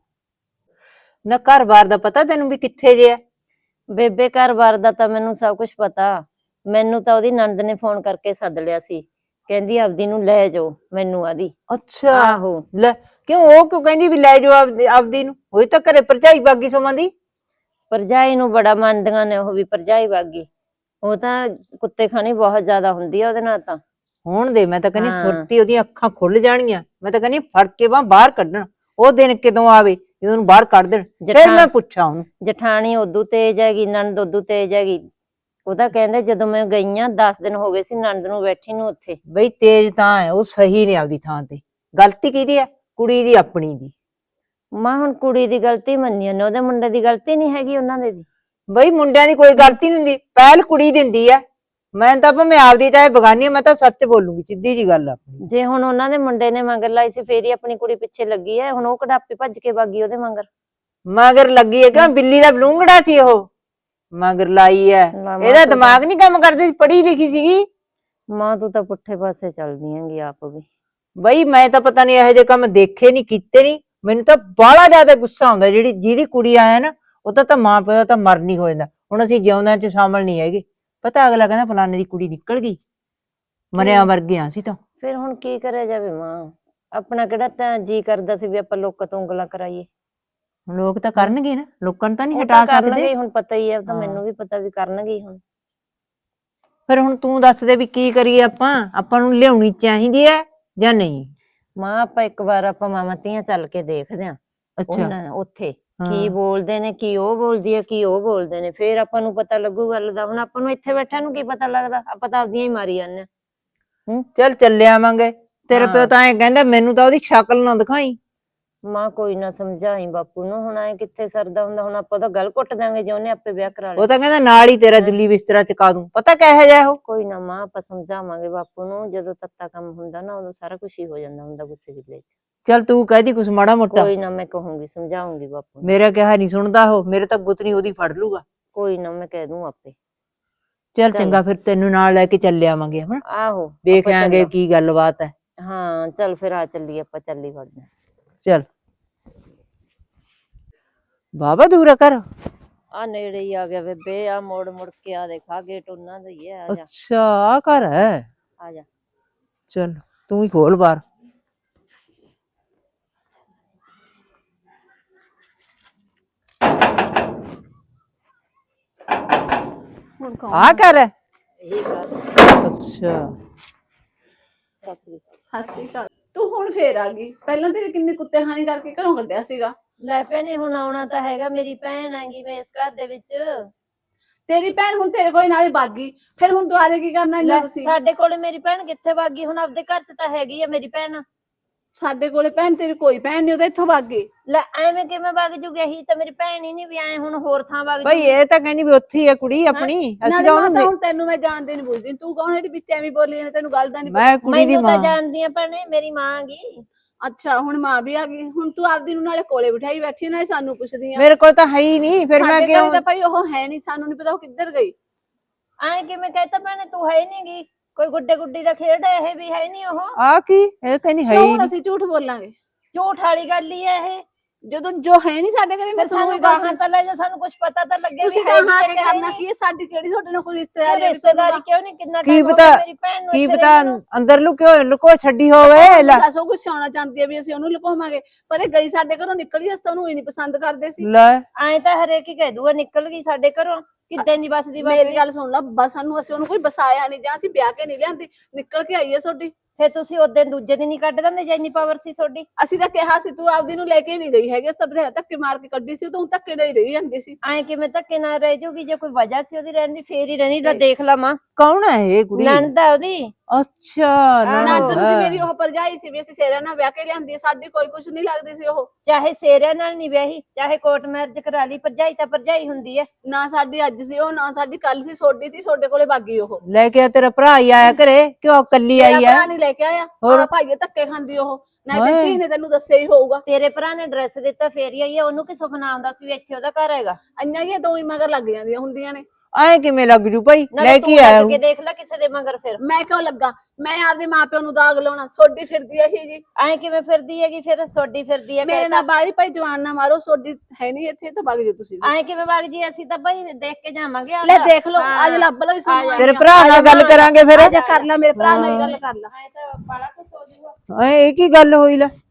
ਨਾ ਘਰ-ਬਾਰ ਦਾ ਪਤਾ ਤੈਨੂੰ ਵੀ ਕਿੱਥੇ ਜੇ ਆ? ਬੇਬੇ ਘਰ-ਬਾਰ ਦਾ ਤਾਂ ਮੈਨੂੰ ਸਭ ਕੁਝ ਪਤਾ। ਮੈਨੂੰ ਤਾਂ ਉਹਦੀ ਨਣਦ ਨੇ ਫੋਨ ਕਰਕੇ ਸੱਦ ਲਿਆ ਸੀ, ਕਹਿੰਦੀ ਆਪਦੀ ਨੂੰ ਲੈ ਜਾਓ ਮੈਨੂੰ ਆਦੀ। ਅੱਛਾ ਆਹੋ ਲੈ, ਕਿਉਂ ਉਹ ਕਿਉਂ ਕਹਿੰਦੀ ਵੀ ਲੈ ਜਾਓ ਆਪਦੀ ਨੂੰ? ਹੋਈ ਤਾਂ ਘਰੇ ਭਰਜਾਈ ਬਾਗੀ ਸੋਮਾਂ ਦੀ। ਭਰਜਾਈ ਨੂੰ ਬੜਾ ਮੰਨਦੀਆਂ ਨੇ ਉਹ ਵੀ, ਭਰਜਾਈ ਬਾਗੀ। ਉਹ ਤਾਂ ਕੁੱਤੇ ਖਾਣੀ ਬਹੁਤ ਜ਼ਿਆਦਾ ਹੁੰਦੀ ਆ ਉਹਦੇ ਨਾਲ ਤਾਂ। ਹੋਣ ਦੇ, ਮੈਂ ਤਾਂ ਕਹਿੰਦੀ ਹਾਂ। ਸੁਰਤੀ ਉਹਦੀਆਂ ਅੱਖਾਂ ਖੁੱਲ ਜਾਣਗੀਆਂ। ਮੈਂ ਤਾਂ ਕਹਿੰਦੀ ਫੜ ਕੇ ਬਾਹਰ ਕੱਢਣ, ਉਹ ਦਿਨ ਕਦੋਂ ਆਵੇ ਜਦੋਂ ਉਹਨੂੰ ਬਾਹਰ ਕੱਢ ਦੇਣ, ਫਿਰ ਮੈਂ ਪੁੱਛਾਂ ਉਹਨੂੰ। ਜਠਾਣੀ ਉਦੋਂ ਤੇਜ਼ ਹੈਗੀ, ਨਣਦ ਉਦੋਂ ਤੇਜ਼ ਹੈਗੀ। ਉਹ ਤਾਂ ਕਹਿੰਦੇ ਜਦੋਂ ਮੈਂ ਗਈ ਆ 10 ਦਿਨ ਹੋ ਗਏ ਸੀ ਨਣਦ ਨੂੰ ਬੈਠੀ ਨੂੰ ਉੱਥੇ। ਬਈ ਤੇਜ਼ ਤਾਂ ਹੈ, ਉਹ ਸਹੀ ਨੇ ਆਪਦੀ ਥਾਂ ਤੇ। ਗਲਤੀ ਕਿਹਦੀ ਹੈ? ਕੁੜੀ ਦੀ, ਆਪਣੀ ਦੀ। ਮਾਂ ਹੁਣ ਕੁੜੀ ਦੀ ਗਲਤੀ ਮੰਨੀ ਉਹਨੇ, ਉਹਦੇ ਮੁੰਡੇ ਦੀ ਗਲਤੀ ਨਹੀਂ ਹੈਗੀ ਉਹਨਾਂ ਦੇ ਦੀ। ਬਈ ਮੁੰਡਿਆਂ ਦੀ ਕੋਈ ਗਲਤੀ ਨਹੀਂ ਹੁੰਦੀ, ਪਹਿਲ ਕੁੜੀ ਦਿੰਦੀ ਆ। ਮੈਂ ਤਾਂ ਭਾਵੇਂ ਆਪਦੀ ਚਾਹੇ ਬਗਾਨੀ, ਮੈਂ ਤਾਂ ਸੱਚ ਬੋਲੂੰਗੀ, ਸਿੱਧੀ ਜੀ ਗੱਲ ਆ। ਜੇ ਹੁਣ ਉਹਨਾਂ ਦੇ ਮੁੰਡੇ ਨੇ ਮਗਰ ਲਾਈ ਸੀ ਫੇਰ ਹੀ ਆਪਣੀ ਕੁੜੀ ਪਿੱਛੇ ਲੱਗੀ ਹੈ, ਹੁਣ ਉਹ ਕਢਾਪੇ ਭੱਜ ਕੇ ਬਾਗੀ ਉਹਦੇ ਮਗਰ। ਮਗਰ ਲੱਗੀ ਹੈ ਕਿ ਬਿੱਲੀ ਦਾ ਬਲੂੰਗੜਾ ਸੀ ਉਹ? ਮਗਰ ਲਾਈ ਹੈ, ਇਹਦਾ ਦਿਮਾਗ ਨਹੀਂ ਕੰਮ ਕਰਦਾ ਸੀ, ਪੜ੍ਹੀ ਲਿਖੀ ਸੀਗੀ। ਮਾਂ ਤੂੰ ਤਾਂ ਪੁੱਠੇ ਪਾਸੇ ਚੱਲਦੀ ਹੈਗੀ ਆਪ ਵੀ। ਬਈ ਮੈਂ ਤਾਂ ਪਤਾ ਨਹੀਂ ਇਹੋ ਜਿਹੇ ਕੰਮ ਦੇਖੇ ਨਹੀਂ, ਕੀਤੇ ਨਹੀਂ। ਮੈਨੂੰ ਤਾਂ ਬਾਹਲਾ ਜ਼ਿਆਦਾ ਗੁੱਸਾ ਆਉਂਦਾ, ਜਿਹਦੀ ਕੁੜੀ ਆਇਆ ਨਾ, ਉਹਦਾ ਤਾਂ ਮਾਂ ਪਿਓ ਦਾ ਤਾਂ ਮਰਨ ਹੋ ਜਾਂਦਾ। ਹੁਣ ਅਸੀਂ ਜਿਉਂਦਿਆਂ ਚ ਸ਼ਾਮਲ ਨਹੀਂ ਹੈਗੇ। ਪਤਾ ਅਗਲਾ ਕਹਿੰਦਾ ਫਲਾਣੇ ਦੀ ਕੁੜੀ ਨਿਕਲ ਗਈ, ਮਰਿਆ ਵਰਗੇ ਆ ਅਸੀਂ ਤਾਂ। ਫਿਰ ਹੁਣ ਕੀ ਕਰਿਆ ਜਾਵੇ ਮਾਂ, ਆਪਣਾ ਕਿਹੜਾ ਤਾਂ ਜੀ ਕਰਦਾ ਸੀ ਵੀ ਆਪਾਂ ਲੋਕਾਂ ਤੋਂ ਉਂਗਲਾਂ ਕਰਾਈਏ। ਲੋਕ ਤਾਂ ਕਰਨਗੇ ਨਾ, ਲੋਕਾਂ ਨੂੰ ਤਾਂ ਨਹੀਂ ਉਹ ਹਟਾ ਤਾਂ ਕਰਨਗੇ ਸਕਦੇ। ਹੀ, ਹੁਣ ਪਤਾ ਹੀ ਹੈ, ਤਾਂ ਹਾਂ। ਮੈਨੂੰ ਵੀ ਪਤਾ ਵੀ ਕਰਨਗੇ ਹੀ ਹੁਣ। ਫਿਰ ਹੁਣ ਤੂੰ ਦੱਸ ਦੇ ਵੀ ਕੀ ਕਰੀਏ ਆਪਾਂ ਨੂੰ ਲਿਆਉਣੀ ਚਾਹੀਦੀ ਹੈ ਜਾਂ ਨਹੀਂ? ਮਾਂ ਆਪਾਂ ਇੱਕ ਵਾਰ ਆਪਾਂ ਮਾਵਾਂ ਧੀਆਂ ਚੱਲ ਕੇ ਦੇਖਦੇ ਆਂ ਉਹਨਾਂ ਉੱਥੇ ਕੀ ਬੋਲਦੇ ਨੇ, ਕੀ ਉਹ ਬੋਲਦੀ ਹੈ, ਕੀ ਉਹ ਬੋਲਦੇ ਨੇ, ਫੇਰ ਆਪਾਂ ਨੂੰ ਪਤਾ ਲੱਗੂ ਗੱਲ ਦਾ। ਹੁਣ ਆਪਾਂ ਨੂੰ ਇੱਥੇ ਬੈਠਿਆਂ ਨੂੰ ਕੀ ਪਤਾ ਲੱਗਦਾ, ਆਪਾਂ ਤਾਂ ਆਪਦੀਆਂ ਹੀ ਮਾਰੀ ਜਾਂਦੇ ਹਾਂ। ਚੱਲ ਚੱਲੇ ਆਵਾਂਗੇ। ਤੇਰੇ ਪਿਓ ਤਾਂ ਐ ਕਹਿੰਦਾ, ਮੈਨੂੰ ਤਾਂ ਉਹਦੀ ਸ਼ਕਲ ਨਾ ਦਿਖਾਈ। ਮਾਂ ਕੋਈ ਨਾ ਸਮਝਾਈ ਬਾਪੂ ਨੂੰ, ਹੁਣ ਐ ਕਿੱਥੇ ਸਰਦਾ ਹੁੰਦਾ। ਹੁਣ ਆਪਾਂ ਤਾਂ ਗੱਲ ਕੁੱਟ ਦਾਂਗੇ ਜੇ ਉਹਨੇ ਆਪੇ ਵਿਆਹ ਕਰਾ ਲਿਆ। ਉਹ ਤਾਂ ਕਹਿੰਦਾ ਨਾਲ ਹੀ ਤੇਰਾ ਜੁੱਲੀ ਬਿਸਤਰਾ ਚਕਾ ਦੂੰ। ਪਤਾ ਕਿਹੋ ਜਿਹਾ ਉਹ? ਕੋਈ ਨਾ ਮਾਂ ਆਪਾਂ ਸਮਝਾਵਾਂਗੇ ਬਾਪੂ ਨੂੰ, ਜਦੋਂ ਤੱਤਾ ਕੰਮ ਹੁੰਦਾ ਨਾ ਉਦੋਂ ਸਾਰਾ ਕੁਝ ਹੀ ਹੋ ਜਾਂਦਾ ਹੁੰਦਾ ਗੁੱਸੇ ਗਿੱਲੇ ਚ। ਚੱਲ ਤੂੰ ਕਹਿਦੀ ਕੁਛ ਮਾੜਾ ਮੋਟਾ। ਕੋਈ ਨਾ ਮੈਂ ਕਹੂੰਗੀ, ਸਮਝਾਉਂਗੀ ਬਾਪੂ ਨੂੰ। ਮੇਰਾ ਕਿਹਾ ਨਹੀਂ ਸੁਣਦਾ ਉਹ, ਮੇਰੇ ਤਾਂ ਗੁੱਤਨੀ ਉਹਦੀ ਫੜ ਲੂਗਾ। ਕੋਈ ਨਾ ਮੈਂ ਕਹਿ ਦੂੰ ਆਪੇ। ਚੱਲ ਚੰਗਾ, ਫਿਰ ਤੈਨੂੰ ਨਾਲ ਲੈ ਕੇ ਚੱਲੇ ਆਵਾਂਗੇ। ਹਨਾ, ਆਹੋ ਦੇਖ ਆਂਗੇ ਕੀ ਗੱਲਬਾਤ ਹੈ। ਹਾਂ ਚੱਲ ਫਿਰ ਆ ਚੱਲੀਏ ਆਪਾਂ, ਚੱਲੀ ਵੜਦੇ। ਚੱਲ ਬਾਬਾ ਦੂਰਾ ਕਰ। ਆ ਨੇੜੇ ਹੀ ਆ ਗਿਆ ਬੇਬੇ, ਆ ਮੋੜ ਮੁੜ ਕੇ ਆ ਦੇਖਾ, ਗੇਟ ਉਹਨਾਂ ਦਾ ਹੀ ਹੈ। ਆ ਜਾ ਅੱਛਾ ਆ ਘਰ ਹੈ। ਆ ਜਾ। ਚੱਲ ਤੂੰ ਹੀ ਖੋਲ ਬਾਹਰ। ਆ ਘਰ ਹੈ? ਇਹੀ ਗੱਲ। ਅੱਛਾ ਹੱਸੀ ਕਰ ਤੂੰ, ਹੁਣ ਫੇਰ ਆ ਗਈ। ਪਹਿਲਾਂ ਤੇਰੇ ਕਿੰਨੇ ਕੁੱਤੇ ਖਾਣੀ ਕਰਕੇ ਘਰੋਂ ਕੱਢਿਆ ਸੀਗਾ। ਲੈ ਭੈਣੇ ਹੁਣ ਆਉਣਾ ਤਾਂ ਹੈਗਾ, ਮੇਰੀ ਭੈਣ ਹੈਗੀ ਮੈਂ ਇਸ ਘਰ ਦੇ ਵਿੱਚ। ਤੇਰੀ ਭੈਣ ਹੁਣ ਤੇਰੇ ਕੋਲ ਨਾਲ ਹੀ ਬਾਗੀ, ਫਿਰ ਹੁਣ ਦੁਆਰੇ ਕੀ ਕਰਨਾ ਇੰਨਾ ਤੁਸੀਂ? ਸਾਡੇ ਕੋਲੇ ਮੇਰੀ ਭੈਣ ਕਿੱਥੇ ਭਾਗੀ, ਹੁਣ ਆਪਦੇ ਘਰ ਚ ਤਾਂ ਹੈਗੀ ਆ ਮੇਰੀ ਭੈਣ। ਸਾਡੇ ਕੋਲੇ ਭੈਣ ਤੇਰੀ ਕੋਈ ਭੈਣ ਨਹੀਂ, ਉਹਦਾ ਇੱਥੋਂ ਬਾਗੀ। ਲੈ ਐਵੇਂ ਕਿਵੇਂ ਵਗ ਜੂਗੀ, ਇਹੀ ਤਾਂ ਮੇਰੀ ਭੈਣ ਹੀ ਨਹੀਂ ਵੀ ਐ ਹੁਣ ਹੋਰ ਥਾਂ ਵਗ ਬਈ ਜੂਗੀ। ਇਹ ਤਾਂ ਕਹਿੰਦੀ ਵੀ ਉੱਥੇ ਹੀ ਹੈ ਕੁੜੀ ਆਪਣੀ। ਅਸੀਂ ਨਾਲੇ ਤਾਂ ਮਾਤਾ ਉਹਨੂੰ, ਹੁਣ ਤੈਨੂੰ ਮੈਂ ਜਾਣਦੇ ਨਹੀਂ ਬੁੱਝਦੀ, ਤੂੰ ਕੌਣ ਜਿਹੜੀ ਵਿੱਚ ਐਵੇਂ ਬੋਲੀ ਜਾਂਦੀ, ਤੈਨੂੰ ਗੱਲ ਦਾ ਨਹੀਂ ਮੈਂ ਕੁੜੀ ਦੀ ਮੈਨੂੰ ਤਾਂ ਮਾਂ। ਜਾਣਦੀ ਆ ਭੈਣੇ, ਮੇਰੀ ਮਾਂ ਹੈਗੀ। ਅੱਛਾ ਹੁਣ ਮਾਂ ਵੀ ਆ ਗਈ, ਹੁਣ ਤੂੰ ਆਪਦੀ ਨੂੰ ਨਾਲੇ ਕੋਲੇ ਬਿਠਾਈ ਬੈਠੀ, ਨਾਲੇ ਸਾਨੂੰ ਪੁੱਛਦੀ ਆ। ਮੇਰੇ ਕੋਲ ਤਾਂ ਹੈ ਹੀ ਨਹੀਂ, ਫਿਰ ਮੈਂ ਸਾਡੇ ਕਿਉਂ? ਘਰੇ ਤਾਂ ਭਾਈ ਉਹ ਹੈ ਨਹੀਂ, ਸਾਨੂੰ ਨਹੀਂ ਪਤਾ ਉਹ ਕਿੱਧਰ ਗਈ। ਐ ਕਿਵੇਂ ਕਹਿਤਾ ਭੈਣੇ, ਤੂੰ ਹੈ ਨਹੀਂ ਗੀ, ਕੋਈ ਗੁੱਡੇ ਗੁੱਡੀ ਦਾ ਖੇਡ ਹੈ ਇਹ ਵੀ, ਹੈ ਨਹੀਂ ਉਹ। ਆ ਕੀ ਇਹ ਕਹਿੰਦੀ ਹੈ ਕਿਉਂ ਹੀ ਹੁਣ ਨਹੀਂ। ਅਸੀਂ ਝੂਠ ਬੋਲਾਂਗੇ? ਝੂਠ ਵਾਲੀ ਗੱਲ ਹੀ ਹੈ ਇਹ। ਜਦੋਂ ਜੋ ਹੈ ਨਹੀਂ ਸਾਡੇ ਘਰੇ, ਮੈਂ ਫਿਰ ਤੁਹਾਨੂੰ ਸਾਨੂੰ ਇਹ ਗੱਲ ਗਾਹਾਂ ਤਾਂ ਲੈ ਜਾ, ਸਾਨੂੰ ਕੁਝ ਪਤਾ ਤਾਂ ਲੱਗੇ ਵੀ ਤੁਸੀਂ ਹੈ ਕਹਾਂ ਨਹੀਂ ਕੇ ਕਿ ਹੈ ਕਰਨਾ ਨਹੀਂ। ਕੀ ਹੈ? ਸਾਡੀ ਕਿਹੜੀ ਤੁਹਾਡੇ ਨਾਲ ਕੋਈ ਤੇ ਰਿਸ਼ਤੇਦਾਰੀ ਹੈ? ਰਿਸ਼ਤੇਦਾਰੀ ਕਿਉਂ ਨਹੀਂ, ਕਿੰਨਾ ਕੀ ਟਾਈਮ ਹੋ ਪਤਾ- ਗਿਆ ਮੇਰੀ ਭੈਣ ਨੂੰ ਕੀ ਇੱਥੇ ਪਤਾ ਰਹਿੰਦੀ ਨੂੰ। ਅੰਦਰ ਲੁਕੋ ਛੱਡੀ ਹੋਵੇ। ਲੈ ਦੱਸੋ ਕੁਝ ਸਿਆਉਣਾ ਚਾਹੁੰਦੀ ਹੈ ਵੀ ਅਸੀਂ ਉਹਨੂੰ ਲੁਕਾਵਾਂਗੇ, ਪਰ ਇਹ ਗਈ ਸਾਡੇ ਘਰੋਂ ਨਿਕਲੀ, ਅਸੀਂ ਤਾਂ ਉਹਨੂੰ ਹੀ ਨਹੀਂ ਪਸੰਦ ਕਰਦੇ ਸੀ। ਲੈ ਐਂ ਤਾਂ ਹਰੇਕ ਹੀ ਕਹਿ ਦੂਗਾ ਨਿਕਲ ਗਈ ਸਾਡੇ ਘਰੋਂ, ਕਿੱਦਾਂ ਦੀ ਬਸਦੀ ਮੇਰੀ ਗੱਲ ਸੁਣ ਲਾ, ਬਸ ਸਾਨੂੰ ਅਸੀਂ ਉਹਨੂੰ ਕੋਈ ਬਸਾਇਆ ਨਹੀਂ, ਜਾਂ ਅਸੀਂ ਵਿਆਹ ਕੇ ਨਹੀਂ ਲਿਆਂਦੀ, ਨਿਕਲ ਕੇ ਆਈ ਹੈ ਤੁਹਾਡੀ। ਫਿਰ ਤੁਸੀਂ ਉਦੋਂ ਦੂਜੇ ਦਿਨ ਹੀ ਕੱਢ ਦਿੰਦੇ ਜੇ ਇੰਨੀ ਪਾਵਰ ਸੀ ਤੁਹਾਡੀ। ਅਸੀਂ ਤਾਂ ਕਿਹਾ ਸੀ ਤੂੰ ਆਪਦੀ ਨੂੰ ਲੈ ਕੇ ਨਹੀਂ ਗਈ ਹੈਗੀ, ਤਾਂ ਬਥੇਰਾ ਧੱਕੇ ਮਾਰ ਕੇ ਕੱਢੀ ਸੀ, ਤੂੰ ਧੱਕੇ ਨਾਲ ਹੀ ਰਹੀ ਜਾਂਦੀ ਸੀ। ਐਂ ਕਿਵੇਂ ਧੱਕੇ ਨਾਲ ਰਹਿ ਜਾਊਗੀ, ਜੇ ਕੋਈ ਵਜ੍ਹਾ ਸੀ ਉਹਦੀ ਰਹਿਣ ਦੀ ਫੇਰ ਹੀ ਰਹਿਣੀ। ਤਾਂ ਦੇਖ ਲਾ ਮਾਂ, ਕੌਣ ਹੈ ਇਹ ਕੁੜੀ? ਨਣਦ ਆ ਉਹਦੀ। ਅੱਛਾ ਨਣਦ ਨੂੰ ਹੈ। ਮੇਰੀ ਉਹ ਭਰਜਾਈ ਸੀ ਵੀ ਅਸੀਂ ਸੇਰਾ ਨਾਲ ਵਿਆਹ ਕੇ ਲਿਆਂਦੀ ਆ, ਸਾਡੀ ਕੋਈ ਕੁਛ ਨਹੀਂ ਲੱਗਦੀ ਸੀ ਉਹ। ਚਾਹੇ ਸੇਰਿਆਂ ਨਾਲ ਨਹੀਂ ਵਿਆਹੀ, ਚਾਹੇ ਕੋਰਟ ਮੈਰਿਜ ਕਰਾ ਲਈ, ਭਰਜਾਈ ਤਾਂ ਭਰਜਾਈ ਹੁੰਦੀ ਹੈ। ਨਾ ਸਾਡੀ ਅੱਜ ਸੀ ਉਹ, ਨਾ ਸਾਡੀ ਕੱਲ ਸੀ, ਸੋਡੀ ਤੀ ਸੋਡੇ ਕੋਲੇ ਬਾਗੀ ਉਹ। ਲੈ ਕੇ ਆ, ਤੇਰਾ ਭਰਾ ਹੀ ਆਇਆ ਘਰੇ, ਕਿਉਂ ਕੱਲੀ ਆਈ ਮੇਰਾ ਆ? ਭਰਾ ਨਹੀਂ ਲੈ ਕੇ ਆਇਆ, ਹੋਰ? ਆ ਭਾਈਏ ਧੱਕੇ ਖਾਂਦੀ ਉਹ, ਨਾ ਹਾਏ। ਤੇ ਧੀ ਨੇ ਤੈਨੂੰ ਦੱਸਿਆ ਹੀ ਹੋਊਗਾ। ਤੇਰੇ ਭਰਾ ਨੇ ਐਡਰੈਸ ਦਿੱਤਾ ਫੇਰ ਹੀ ਆਈ ਹੈ, ਉਹਨੂੰ ਕੀ ਸੁਪਨਾ ਆਉਂਦਾ ਸੀ ਵੀ ਇੱਥੇ ਉਹਦਾ ਘਰ ਹੈਗਾ। ਅੰਨਾ ਹੀ ਇਹ ਦੋ ਹੀ ਮਗਰ ਲੱਗ ਜਾਂਦੀਆਂ ਹੁੰਦੀਆਂ ਨੇ। ਐ ਕਿਵੇਂ ਲੱਗ ਜੂ ਭਾਈ? ਨਾਲੇ ਲੈ ਤੂੰ ਕੇ ਆਇਆ ਲੱਗ ਕੇ ਦੇਖ ਲੈ ਕਿਸੇ ਦੇ ਮਗਰ। ਫਿਰ ਮੈਂ ਕਿਉਂ ਲੱਗਾ? ਮੈਂ ਆਪਦੇ ਮਾਪਿਆਂ ਨੂੰ ਦਾਗ ਲਾਉਣਾ? ਸੋਡੀ ਫਿਰਦੀ ਇਹੀ ਜੀ ਐਂ ਕਿਵੇਂ ਫਿਰਦੀ ਹੈਗੀ? ਫਿਰ ਸੋਡੀ ਫਿਰਦੀ ਹੈ ਮੇਰੇ ਨਾਲ ਬਾਲੀ ਭਾਈ ਜਵਾਨ ਨਾ ਮਾਰੋ, ਸੋਡੀ ਹੈ ਨਹੀਂ ਇੱਥੇ ਤਾਂ ਵਗ ਜਾਓ ਤੁਸੀਂ ਵੀ। ਐਂ ਕਿਵੇਂ ਵਗ ਜੀ? ਅਸੀਂ ਤਾਂ ਭਾਈ ਦੇਖ ਕੇ ਜਾਵਾਂਗੇ। ਲੈ ਆਪਦਾ। ਦੇਖ ਲਓ, ਹਾਂ। ਅੱਜ ਲੱਭ ਲਓ ਸਾਨੂੰ। ਤੇਰੇ ਭਰਾ ਨਾਲ ਗੱਲ ਕਰਾਂਗੇ ਫਿਰ। ਅੱਜ ਕਰ ਲੈ, ਮੇਰੇ ਭਰਾ ਨਾਲ ਹੀ ਗੱਲ ਕਰ ਲੈ। ਐਂ ਤਾਂ ਬਾਲਾ ਕੁਛ ਹੋ ਜਾਊਗਾ। ਐ ਇਹ ਕੀ ਗੱਲ ਹੋਈ ਲੈ?